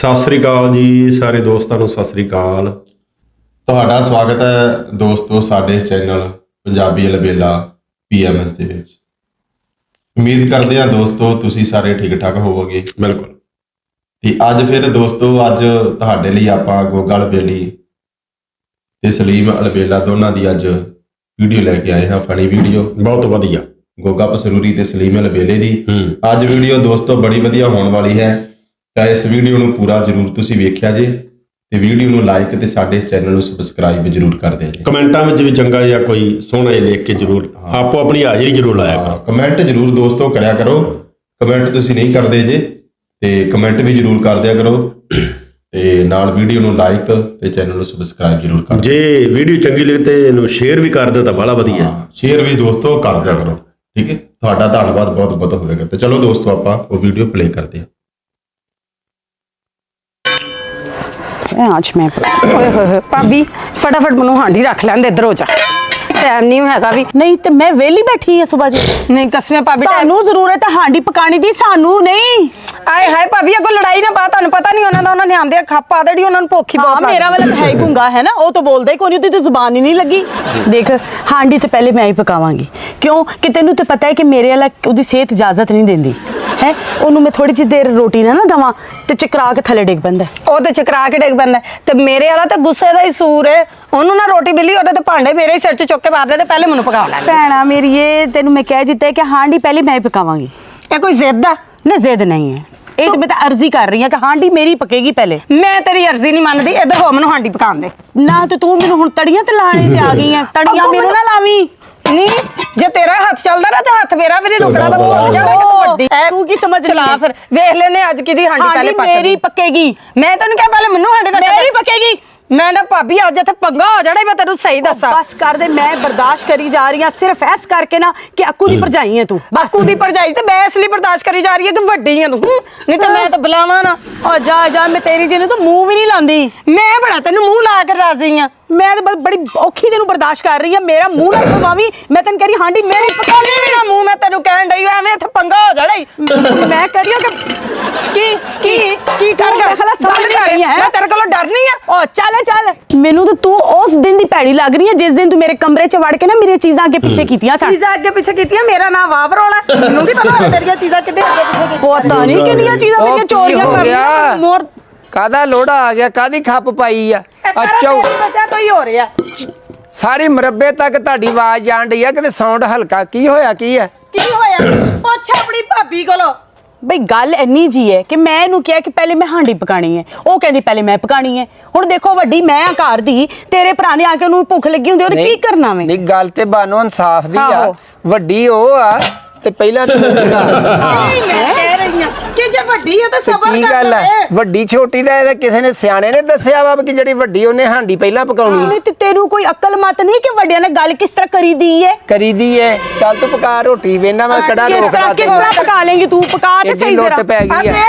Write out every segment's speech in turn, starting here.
ਸਤਿ ਸ੍ਰੀ ਅਕਾਲ ਜੀ ਸਾਰੇ ਦੋਸਤਾਂ ਨੂੰ ਸਤਿ ਸ੍ਰੀ ਅਕਾਲ। ਤੁਹਾਡਾ ਸਵਾਗਤ ਹੈ ਦੋਸਤੋ ਸਾਡੇ ਚੈਨਲ ਪੰਜਾਬੀ ਅਲਬੇਲਾ PMS ਦੇ ਵਿੱਚ। ਉਮੀਦ ਕਰਦੇ ਹਾਂ ਦੋਸਤੋ ਤੁਸੀਂ ਸਾਰੇ ਠੀਕ ਠਾਕ ਹੋਵੋਗੇ। ਬਿਲਕੁਲ। ਤੇ ਅੱਜ ਫਿਰ ਦੋਸਤੋ ਅੱਜ ਤੁਹਾਡੇ ਲਈ ਆਪਾਂ ਗੋਗਾ ਅਲਬੇਲੀ ਤੇ ਸਲੀਮ ਅਲਬੇਲਾ ਦੋਨਾਂ ਦੀ ਅੱਜ ਵੀਡੀਓ ਲੈ ਕੇ ਆਏ ਹਾਂ। ਫਨੀ ਵੀਡੀਓ ਬਹੁਤ ਵਧੀਆ। ਗੋਗਾ ਪਸਰੂਰੀ ਤੇ ਸਲੀਮ ਅਲਬੇਲੇ ਦੀ ਅੱਜ ਵੀਡੀਓ ਦੋਸਤੋ ਬੜੀ ਵਧੀਆ ਹੋਣ ਵਾਲੀ ਹੈ। ਤਾਂ ਇਸ ਵੀਡੀਓ ਨੂੰ ਪੂਰਾ ਜ਼ਰੂਰ ਤੁਸੀਂ ਵੇਖਿਆ ਜੇ ਤੇ ਵੀਡੀਓ ਨੂੰ ਲਾਈਕ ਤੇ ਸਾਡੇ ਚੈਨਲ ਨੂੰ ਸਬਸਕ੍ਰਾਈਬ ਜ਼ਰੂਰ ਕਰ ਦਿਓ ਜੀ। ਕਮੈਂਟਾਂ ਵਿੱਚ ਵੀ ਚੰਗਾ ਜਿਹਾ ਕੋਈ ਸੋਹਣਾ ਜਿਹਾ ਲਿਖ ਕੇ ਜ਼ਰੂਰ ਆਪੋ ਆਪਣੀ ਹਾਜ਼ਰੀ ਜ਼ਰੂਰ ਲਾਇਆ ਕਰੋ। ਕਮੈਂਟ ਜ਼ਰੂਰ ਦੋਸਤੋ ਕਰਿਆ ਕਰੋ। ਕਮੈਂਟ ਤੁਸੀਂ ਨਹੀਂ ਕਰਦੇ ਜੇ ਤੇ ਕਮੈਂਟ ਵੀ ਜ਼ਰੂਰ ਕਰ ਦਿਆ ਕਰੋ ਤੇ ਨਾਲ ਵੀਡੀਓ ਨੂੰ ਲਾਈਕ ਤੇ ਚੈਨਲ ਨੂੰ ਸਬਸਕ੍ਰਾਈਬ ਜ਼ਰੂਰ ਕਰ ਦਿਓ। ਜੇ ਵੀਡੀਓ ਚੰਗੀ ਲੱਗੇ ਤੇ ਇਹਨੂੰ ਸ਼ੇਅਰ ਵੀ ਕਰ ਦਿਓ ਤਾਂ ਬੜਾ ਵਧੀਆ। ਸ਼ੇਅਰ ਵੀ ਦੋਸਤੋ ਕਰ ਦਿਆ ਕਰੋ। ਠੀਕ ਹੈ, ਤੁਹਾਡਾ ਧੰਨਵਾਦ ਬਹੁਤ ਬਹੁਤ ਹੋਵੇਗਾ। ਤੇ ਚਲੋ ਦੋਸਤੋ ਆਪਾਂ ਉਹ ਵੀਡੀਓ ਪਲੇ ਕਰਦੇ ਹਾਂ। आज मैं ओए होए भाभी फटाफट मनु हांडी रख लैंदे इधर हो जा टाइम नहीं हैगा भी नहीं तो मैं वेली बैठी है सुबह जी। नहीं कसमें भाभी ਤੁਹਾਨੂੰ ਜ਼ਰੂਰਤ ਹੈ ਹਾਂਡੀ ਪਕਾਣੀ ਦੀ ਸਾਨੂੰ ਨਹੀਂ। ਆਏ ਹਾਏ ਭਾਬੀ ਅੱਗੋਂ ਲੜਾਈ ਨਾ ਪਾ ਤੁਹਾਨੂੰ ਪਤਾ ਨਹੀਂ ਉਹਨਾਂ ਨੇ ਆਂਦੇ ਖੱਪਾ ਦੇੜੀ ਉਹਨਾਂ ਨੂੰ ਭੁੱਖ ਹੀ ਬਹੁਤ मेरा वाला तो है ही गुंगा है ना, वो तो बोलता ही कोई नहीं, तो जुबान ही नहीं लगी। देख हांडी तो पहले मैं ही पकावांगी क्यों कि तेनू तो पता है कि मेरे वाला उसकी सेहत इजाजत नहीं देंदी है। ਉਹਨੂੰ मैं थोड़ी जी देर रोटी ना दवा ਤੇ ਚਕਰਾ ਕੇ ਥੱਲੇ ਡਿੱਗ ਪੈਂਦਾ। ਉਹ ਤੇ ਚਕਰਾ ਕੇ ਡਿੱਗ ਪੈਂਦਾ ਤੇ ਮੇਰੇ ਵਾਲਾ ਤੇ ਗੁੱਸੇ ਦਾ ਹੀ ਸੂਰ ਹੈ। ਉਹਨੂੰ ਨਾ ਰੋਟੀ ਮਿਲੀ ਉਹਦੇ ਤੇ ਭਾਂਡੇ ਮੇਰੇ ਹੀ ਸਿਰ 'ਚ ਚੁੱਕ ਕੇ ਮਾਰਦੇ ਤੇ ਪਹਿਲੇ ਮੈਨੂੰ ਪਕਾ ਲੈਣਾ। ਭੈਣਾ ਮੇਰੀ ਇਹ ਤੈਨੂੰ ਮੈਂ ਕਹਿ ਦਿੱਤਾ ਕਿ ਹਾਂਡੀ ਪਹਿਲੇ ਮੈਂ ਹੀ ਪਕਾਵਾਂਗੀ। ਇਹ ਕੋਈ ਜ਼ਿੱਦ ਆ? ਨਾ ਜ਼ਿੱਦ ਨਹੀਂ ਹੈ, ਇਹ ਤਾਂ ਮੈਂ ਤਾਂ ਅਰਜ਼ੀ ਕਰ ਰਹੀ ਹਾਂ ਕਿ ਹਾਂਡੀ ਮੇਰੀ ਪਕੇਗੀ ਪਹਿਲੇ। ਮੈਂ ਤੇਰੀ ਅਰਜ਼ੀ ਨਹੀਂ ਮੰਨਦੀ। ਇੱਧਰ ਹੋ ਮੈਨੂੰ ਹਾਂਡੀ ਪਕਾਉਣ ਦੇ। ਨਾ ਤੇ ਤੂੰ ਮੈਨੂੰ ਹੁਣ ਤੜੀਆਂ ਤੇ ਲਾਣੇ ਤੇ ਆ ਗਈ ਹੈ। ਤੜੀਆਂ ਮੈਨੂੰ ਨਾ ਲਾਵੀਂ। ਨਹੀਂ ਜੇ ਤੇਰਾ ਹੱਥ ਚੱਲਦਾ ਨਾ ਤੇ ਹੱਥ ਮੇਰਾ ਵੀ ਨਹੀਂ ਰੁਕਣਾ। ਮੈਂ ਭੁੱਲ ਜਾਣਾ ਕਿ ਤੂੰ ਵੱਡੀ ਐ। ਤੂੰ ਕੀ ਸਮਝ ਚਲਾ ਲਈ? ਫਿਰ ਵੇਖ ਲੈਨੇ ਅੱਜ ਕਿਹਦੀ ਹਾਂਡੀ ਪਹਿਲੇ ਪੱਕਦੀ। ਮੇਰੀ ਪੱਕੇਗੀ। ਮੈਂ ਤੈਨੂੰ ਕਿਹਾ ਪਹਿਲੇ ਮੈਨੂੰ ਹਾਂਡੀ ਰੱਖ। ਮੇਰੀ ਪੱਕੇਗੀ। ਮੈਂ ਨਾ ਭਾਬੀ ਅੱਜ ਇੱਥੇ ਪੰਗਾ ਹੋ ਜਾਣਾ। ਮੈਂ ਤੈਨੂੰ ਸਹੀ ਦੱਸਾਂ। ਬਸ ਕਰ ਦੇ, ਮੈਂ ਬਰਦਾਸ਼ਤ ਕਰੀ ਜਾ ਰਹੀ ਹਾਂ ਸਿਰਫ ਇਸ ਕਰਕੇ ਨਾ ਕਿ ਅੱਕੂ ਦੀ ਭਰਜਾਈ ਹੈ ਤੂੰ। ਬਾਕੂ ਦੀ ਭਰਜਾਈ ਤੇ ਮੈਂ ਇਸ ਲਈ ਬਰਦਾਸ਼ਤ ਕਰੀ ਜਾ ਰਹੀ ਹਾਂ ਕਿ ਵੱਡੀ ਹੈ ਤੂੰ। ਨਹੀਂ ਤੇ ਮੈਂ ਤਾਂ ਬੁਲਾਵਾਂ ਨਾ। ਓ ਜਾ ਜਾ, ਮੈਂ ਤੇਰੀ ਜਿਹਨੂੰ ਤਾਂ ਮੂੰਹ ਵੀ ਨਹੀਂ ਲਾਂਦੀ। ਮੈਂ ਬੜਾ ਤੈਨੂੰ ਮੂੰਹ ਲਾ ਕੇ ਰਾਜ਼ੀ ਆ। ਮੈਂ ਤਾਂ ਬੜੀ ਔਖੀ ਤੈਨੂੰ ਬਰਦਾਸ਼ਤ ਕਰ ਰਹੀ ਹਾਂ। ਮੇਰਾ ਮੂੰਹ ਨਾ ਖਵਾਵੀਂ। ਮੈਂ ਤੈਨੂੰ ਕਹਿ ਰਹੀ ਹਾਂਡੀ ਮੇਰੀ ਪਕਾਉਣੀ ਵੀ ਨਾ ਮੂੰਹ। ਮੈਂ ਤੈਨੂੰ ਕਹਿਣ ਡਈ ਐਵੇਂ ਇੱਥੇ ਪੰਗਾ ਹੋ ਜਾਣਾ ਈ। ਮੈਂ ਕਹਿ ਰਹੀ ਹਾਂ ਕਿ ਕੀ ਕਰ ਗੱਲ ਕਰ। ਮੈਂ ਤੇਰੇ ਕੋਲੋਂ ਡਰਨੀ ਆ। ਓ ਚੱਲ ਮੈਨੂੰ ਤਾਂ ਤੂੰ ਉਸ ਦਿਨ ਦੀ ਭੈੜੀ ਲੱਗ ਰਹੀ ਹੈ ਜਿਸ ਦਿਨ ਤੂੰ ਮੇਰੇ ਕਮਰੇ 'ਚ ਵੜ ਕੇ ਨਾ ਮੇਰੀਆਂ ਚੀਜ਼ਾਂ ਅੱਗੇ ਪਿੱਛੇ ਕੀਤੀਆਂ ਸਨ। ਚੀਜ਼ਾਂ ਅੱਗੇ ਪਿੱਛੇ ਕੀਤੀਆਂ। ਮੇਰਾ ਨਾਮ ਵਾਵਰੋਲਾ। ਮੈਨੂੰ ਕੀ ਪਤਾ ਤੇਰੀਆਂ ਚੀਜ਼ਾਂ ਕਿੱਥੇ ਅੱਗੇ ਪਿੱਛੇ ਕੀਤੀਆਂ। ਪਤਾ ਨਹੀਂ ਕਿੰਨੀਆਂ ਚੀਜ਼ਾਂ ਮੇਰੀਆਂ ਚੋਰੀਆਂ ਕਰ ਲਈਆਂ। ਮੋਰ ਕਾਦਾ ਲੋੜਾ ਆ ਗਿਆ, ਕਾਦੀ ਖੱਪ ਪਾਈ ਆ। ਅੱਛਾ ਬੱਚਾ ਕੋਈ ਹੋ ਰਿਹਾ। ਸਾਰੀ ਮਰੱਬੇ ਤੱਕ ਤੁਹਾਡੀ ਆਵਾਜ਼ ਜਾਣ ਡਈ ਆ। ਕਿਤੇ ਸਾਊਂਡ ਹਲਕਾ ਕੀ ਹੋਇਆ ਕੀ ਹੈ? ਕੀ ਹੋਇਆ? ਪੁੱਛ ਆਪਣੀ ਭਾਬੀ ਕੋਲੋਂ। ਬਈ ਗੱਲ ਇੰਨੀ ਜੀ ਹੈ ਕਿ ਮੈਂ ਇਹਨੂੰ ਕਿਹਾ ਕਿ ਪਹਿਲੇ ਮੈਂ ਹਾਂਡੀ ਪਕਾਣੀ ਹੈ, ਉਹ ਕਹਿੰਦੀ ਪਹਿਲੇ ਮੈਂ ਪਕਾਣੀ ਹੈ। ਹੁਣ ਦੇਖੋ ਵੱਡੀ ਮੈਂ ਆ ਘਰ ਦੀ, ਤੇਰੇ ਭਰਾ ਨੇ ਆ ਕੇ ਉਹਨੂੰ ਭੁੱਖ ਲੱਗੀ ਹੁੰਦੀ ਉਹਨੇ ਕੀ ਕਰਨਾ ਵੇ? ਨਹੀਂ ਗੱਲ ਤੇ ਬਾਨੋ ਇਨਸਾਫ ਦੀ ਆ। ਆਹੋ। ਵੱਡੀ ਉਹ ਆ ਤੇ ਪਹਿਲਾਂ ਤੂੰ ਪਕਾ। ਨਹੀਂ ਮੈਂ ਕਹਿ ਰਹੀ ਆ ਕਿ ਜੇ ਵੱਡੀ ਹੈ ਤਾਂ ਸਬਰ ਕੀ ਕਰ ਗੱਲ ਲੈ। ਹੈ? ਵੱਡੀ ਛੋਟੀ ਦਾ ਇਹਦਾ ਕਿਸੇ ਨੇ ਸਿਆਣੇ ਨੇ ਦੱਸਿਆ ਵਾ ਕਿ ਜਿਹੜੀ ਵੱਡੀ ਉਹਨੇ ਹਾਂਡੀ ਪਹਿਲਾਂ ਪਕਾਉਣੀ ਨਹੀਂ ਤੇ ਤੈਨੂੰ ਕੋਈ ਅਕਲ ਮਤ ਨਹੀਂ ਕਿ ਵੱਡਿਆਂ ਨਾਲ ਗੱਲ ਕਿਸ ਤਰ੍ਹਾਂ ਕਰੀਦੀ ਹੈ? ਕਰੀਦੀ ਏ। ਚੱਲ ਤੂੰ ਪਕਾ ਰੋਟੀ, ਵੇਨਾ ਮੈਂ ਕੜਾ ਕਿਸ ਰੋਕਦਾ ਤਰ੍ਹਾਂ ਪਕਾ ਲੇਂਗੀ ਤੂੰ? ਪਕਾ ਤੇ ਐਡੀ ਸਹੀ ਲੁੱਟ ਜਰਾ। ਪੈ ਗਈ ਆ।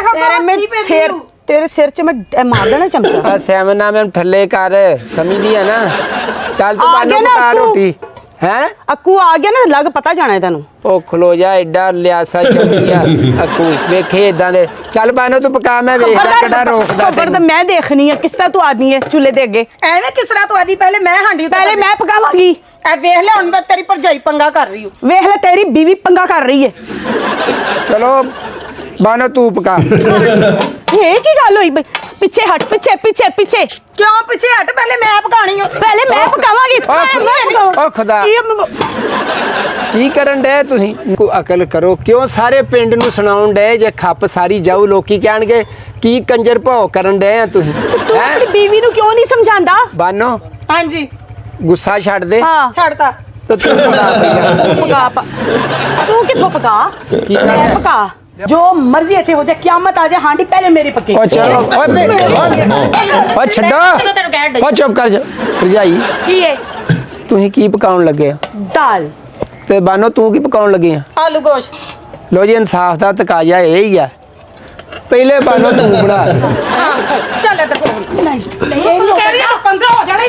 ਤੇਰੇ ਸਿਰ 'ਚ ਮੈਂ ਮਾਰ ਦੇਣਾ ਚਮਚਾ। ਆ ਸੈਮਨਾ ਮੈਂ ਥੱਲੇ ਕਰ, ਸਮਝਦੀ ਆ ਨਾ। ਚੱਲ ਤੂੰ ਆ ਬਾਨੋ ਗਿਆ ਨਾ ਪਕਾ ਤੂੰ। ਰੋਟੀ ਹੈ। ਅੱਕੂ ਆ ਗਿਆ ਨਾ, ਲੱਗ ਪਤਾ ਜਾਣਾ ਤੈਨੂੰ। ਉਹ ਖਲੋ ਜਾ, ਐਡਾ ਲਿਆਸਾ ਚੰਗੀਆ ਅੱਕੂ ਵੇਖੇ ਇਦਾਂ ਦੇ। ਚੱਲ ਬਾਨੋ ਤੂੰ ਪਕਾ, ਮੈਂ ਵੇਖਦਾ ਕਿਹੜਾ ਰੋਕਦਾ ਖਬਰ ਤਾਂ ਮੈਂ ਦੇਖਣੀ ਹੈ ਕਿਸ ਤਰ੍ਹਾਂ ਤੂੰ ਆਦਮੀ ਹੈ ਚੁੱਲ੍ਹੇ ਦੇ ਅੱਗੇ। ਐਵੇਂ ਕਿਸ ਤਰ੍ਹਾਂ ਤੂੰ ਆਦੀ ਪਹਿਲੇ ਮੈਂ ਹਾਂਡੀ ਪਹਿਲੇ ਮੈਂ ਪਕਾਵਾਂਗੀ। ਐ ਵੇਖ ਲੈ ਹੁਣ ਮੈਂ ਤੇਰੀ ਭਰਜਾਈ ਪੰਗਾ ਕਰ ਰਹੀ ਹੂੰ। ਵੇਖ ਲੈ ਤੇਰੀ ਬੀਵੀ ਪੰਗਾ ਕਰ ਰਹੀ ਹੈ। ਚਲੋ ਬਾਨੋ ਤੂੰ ਪਕਾ। ਇਹ ਕੀ ਗੱਲ ਹੋਈ ਬਈ? ਪਿੱਛੇ ਹਟ, ਪਿੱਛੇ ਪਿੱਛੇ ਪਿੱਛੇ ਕਿਉਂ ਪਿੱਛੇ ਹਟ? ਪਹਿਲੇ ਮੈਂ ਪਕਾਣੀ ਹੋ। ਪਹਿਲੇ ਮੈਂ ਪਕਾਵਾਂਗੀ। ਓ ਖੁਦਾ, ਕੀ ਕਰਨ ਡਏ ਤੁਸੀਂ? ਕੋਈ ਅਕਲ ਕਰੋ। ਕਿਉਂ ਸਾਰੇ ਪਿੰਡ ਨੂੰ ਸੁਣਾਉਣ ਡਏ ਜੇ ਖੱਪ ਸਾਰੀ ਜਾਊ? ਲੋਕੀ ਕਹਿਣਗੇ ਕੀ ਕੰਜਰ ਭਾਉ ਕਰਨ ਡਏ ਆ ਤੁਸੀਂ। ਤੂੰ ਆਪਣੀ ਬੀਵੀ ਨੂੰ ਕਿਉਂ ਨਹੀਂ ਸਮਝਾਉਂਦਾ? ਬਾਨੋ ਹਾਂਜੀ ਗੁੱਸਾ ਛੱਡ ਦੇ ਹਾਂ ਛੱਡਤਾ। ਤੇ ਤੂੰ ਪਕਾ ਪਹਿਲਾਂ। ਤੂੰ ਕਿੱਥੋਂ ਪਕਾ? ਮੈਂ ਪਕਾ। ਜੋ ਮਰਜ਼ੀ ਇੱਥੇ ਹੋ ਜਾਏ, ਕਿਆਮਤ ਆ ਜਾਏ, ਹਾਂਡੀ ਪਹਿਲੇ ਮੇਰੀ ਪੱਕੀ। ਓ ਚਲੋ ਓ ਛੱਡੋ। ਓ ਚੁੱਪ ਕਰ ਜਾ ਭਰਜਾਈ। ਕੀ ਹੈ? ਤੁਸੀਂ ਕੀ ਪਕਾਉਣ ਲੱਗੇ ਆ? ਦਾਲ। ਤੇ ਬਾਨੋ ਤੂੰ ਕੀ ਪਕਾਉਣ ਲੱਗੀ ਆ? ਆਲੂ ਗੋਸ਼ਤ। ਲੋ ਜੀ, ਇਨਸਾਫ ਦਾ ਤਕਾਜ਼ਾ ਇਹ ਹੀ ਆ। ਪਹਿਲੇ ਬਾਨੋ ਤੂੰ ਬਣਾ। ਹਾਂ ਚੱਲ ਇੱਧਰ ਨਹੀਂ ਇਹ ਕਹਿ ਰਹੀ ਆ ਪੰਗਾ ਹੋ ਜਾਣਾ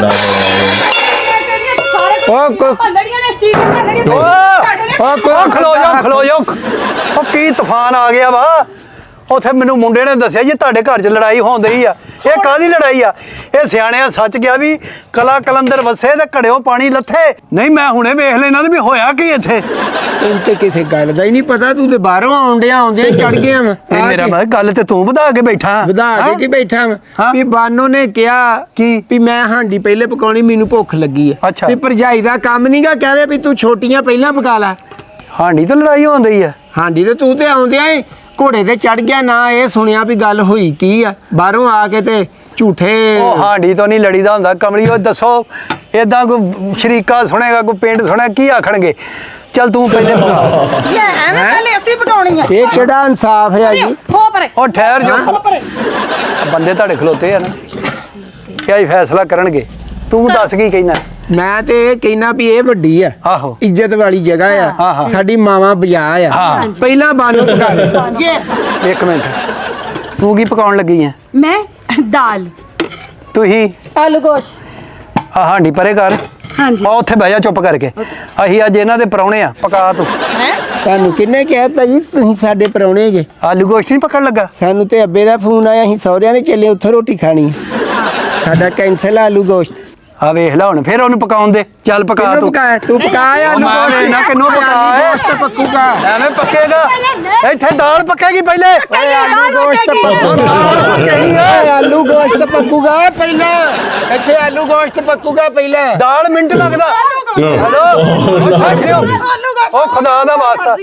ਓ ਭੰਡੜੀਆਂ ਨੇ ਚੀਜ਼ ਭੰਡੜੀ। ਓ ਖਲੋ ਜਾ। ਉਹ ਕੀ ਤੂਫਾਨ ਆ ਗਿਆ ਵਾ। ਉੱਥੇ ਮੈਨੂੰ ਮੁੰਡੇ ਨੇ ਦੱਸਿਆ ਜੀ ਤੁਹਾਡੇ ਘਰ 'ਚ ਲੜਾਈ ਹੋਂਦੀ ਆ। ਇਹ ਕਾਹਦੀ ਲੜਾਈ ਆ? ਇਹ ਸਿਆਣਿਆਂ ਸੱਚ ਗਿਆ ਵੀ ਕਲਾ ਕਲੰਦਰ ਵਸੇ ਤੇ ਘੜਿਓ ਪਾਣੀ ਲੱਥੇ। ਨਹੀਂ ਮੈਂ ਹੁਣੇ ਵੇਖ ਲੈਣਾ ਵੀ ਹੋਇਆ ਕੀ ਇੱਥੇ। ਤੈਨੂੰ ਤੇ ਕਿਸੇ ਗੱਲ ਦਾ ਹੀ ਨਹੀਂ ਪਤਾ, ਤੂੰ ਤੇ ਬਾਹਰੋਂ ਆਉਂਦਿਆਂ ਚੜ ਗਿਆ ਵਾ। ਨਹੀਂ ਮੇਰਾ ਮੈਂ ਗੱਲ ਤੇ ਤੂੰ ਵਧਾ ਕੇ ਬੈਠਾ। ਵਧਾ ਕੇ ਕੀ ਬੈਠਾ ਵਾ ਹਾਂ। ਵੀ ਬਾਨੋ ਨੇ ਕਿਹਾ ਵੀ ਮੈਂ ਹਾਂਡੀ ਪਹਿਲੇ ਪਕਾਉਣੀ, ਮੈਨੂੰ ਭੁੱਖ ਲੱਗੀ ਆ। ਅੱਛਾ। ਵੀ ਭਰਜਾਈ ਦਾ ਕੰਮ ਨਹੀਂਗਾ, ਕਹਵੇ ਵੀ ਤੂੰ ਛੋਟੀਆਂ ਪਹਿਲਾਂ ਪਕਾ ਲੈ। ਹਾਂਡੀ ਤੇ ਲੜਾਈ ਹੋਂਦੀ ਆ। ਹਾਂਡੀ ਤੇ ਤੂੰ ਤੇ ਆਉਂਦਿਆਂ ਏ ਘੋੜੇ ਤੇ ਚੜ ਗਿਆ, ਨਾ ਇਹ ਸੁਣਿਆ ਵੀ ਗੱਲ ਹੋਈ ਕੀ ਆ। ਬਾਹਰੋਂ ਆ ਕੇ ਤੇ ਝੂਠੇ ਉਹ ਹਾਂਡੀ ਤੋਂ ਨਹੀਂ ਲੜੀਦਾ ਹੁੰਦਾ ਕਮਲੀ। ਉਹ ਦੱਸੋ ਏਦਾਂ ਕੋਈ ਸ਼ਰੀਕਾ ਸੁਣੇਗਾ, ਕੋਈ ਪਿੰਡ ਸੁਣਿਆ, ਕੀ ਆਖਣਗੇ? ਚੱਲ ਤੂੰ ਪਹਿਲੇ ਪਕਾ। ਲੈ ਐਵੇਂ ਪਹਿਲੇ ਅਸੀਂ ਪਕਾਉਣੀ ਆ। ਇਹ ਕਿਹੜਾ ਇਨਸਾਫ ਹੈ ਜੀ? ਹੋ ਪਰੇ ਉਹ ਠਹਿਰ ਜਾ, ਹੋ ਪਰੇ। ਬੰਦੇ ਤੁਹਾਡੇ ਖਲੋਤੇ ਆ ਨਾ, ਕਿਆ ਹੀ ਫੈਸਲਾ ਕਰਨਗੇ। ਤੂੰ ਦੱਸ ਕੀ ਕਹਿਣਾ? ਮੈਂ ਤੇ ਇਹ ਕਹਿਣਾ ਵੀ ਇਹ ਵੱਡੀ ਆ, ਆਹੋ ਇੱਜ਼ਤ ਵਾਲੀ ਜਗ੍ਹਾ ਹਾਂ, ਆ, ਹਾਂ। ਸਾਡੀ ਮਾਵਾਂ ਬਜਾ ਆ। ਹਾਂ। ਪਹਿਲਾਂ ਬਾਨੋ ਪਕਾ ਲੈ। ਇੱਕ ਮਿੰਟ, ਤੂੰ ਕੀ ਪਕਾਉਣ ਲੱਗੀ ਆ? ਮੈਂ ਦਾਲ। ਤੁਸੀਂ ਆਲੂ ਗੋਸ਼। ਆ ਹਾਂਡੀ ਪਰੇ ਕਰ। ਹਾਂਜੀ। ਆ ਉੱਥੇ ਬਹਿ ਜਾ ਚੁੱਪ ਕਰਕੇ। ਅਸੀਂ ਅੱਜ ਇਹਨਾਂ ਦੇ ਪਰੌਣੇ ਆ, ਪਕਾ ਤੂੰ। ਤੁਹਾਨੂੰ ਕਿੰਨੇ ਕਹਿਤਾ ਜੀ ਤੁਸੀਂ ਸਾਡੇ ਪਰੌਣੇ ਜੇ? ਆਲੂ ਗੋਸ਼ਤ ਨਹੀਂ ਪਕੜ ਲੱਗਾ? ਸਾਨੂੰ ਤੇ ਅੱਬੇ ਦਾ ਫੋਨ ਆਇਆ, ਅਸੀਂ ਸਹੁਰਿਆਂ ਦੇ ਚੱਲੇ, ਉੱਥੋਂ ਰੋਟੀ ਖਾਣੀ ਆ। ਸਾਡਾ ਕੈਂਸਲ ਆਲੂ ਗੋਸ਼ਤ। ਆ ਵੇਖ ਲੈ ਹੁਣ, ਫਿਰ ਉਹਨੂੰ ਪਕਾਉਣ ਦੇ। ਚੱਲ ਪਕਾ ਕਿਹਨੂੰ ਤੂੰ। ਪਕਾਇਆ? ਤੂੰ ਪਕਾਇਆ ਆਲੂ ਮੈਂ ਗੋਸ਼ਤ? ਵੇਖਣਾ ਕਿਹਨੂੰ ਪਕਾਇਆ। ਆਲੂ ਗੋਸ਼ਤ ਪੱਕੂਗਾ। ਐਵੇਂ ਪੱਕੇਗਾ? ਇੱਥੇ ਦਾਲ ਪੱਕੇਗੀ ਪਹਿਲੇ। ਓਏ ਆਲੂ ਗੋਸ਼ਤ ਪੱਕੂਗਾ। ਓਏ ਆਲੂ ਗੋਸ਼ਤ ਪੱਕੂਗਾ ਪਹਿਲਾਂ। ਇੱਥੇ ਆਲੂ ਗੋਸ਼ਤ ਪੱਕੂਗਾ ਪਹਿਲਾਂ। ਦਾਲ ਮਿੰਟ ਲੱਗਦਾ। ਹੈਲੋ ਉਹ ਖੁਦਾ ਦਾ ਵਾਸਤਾ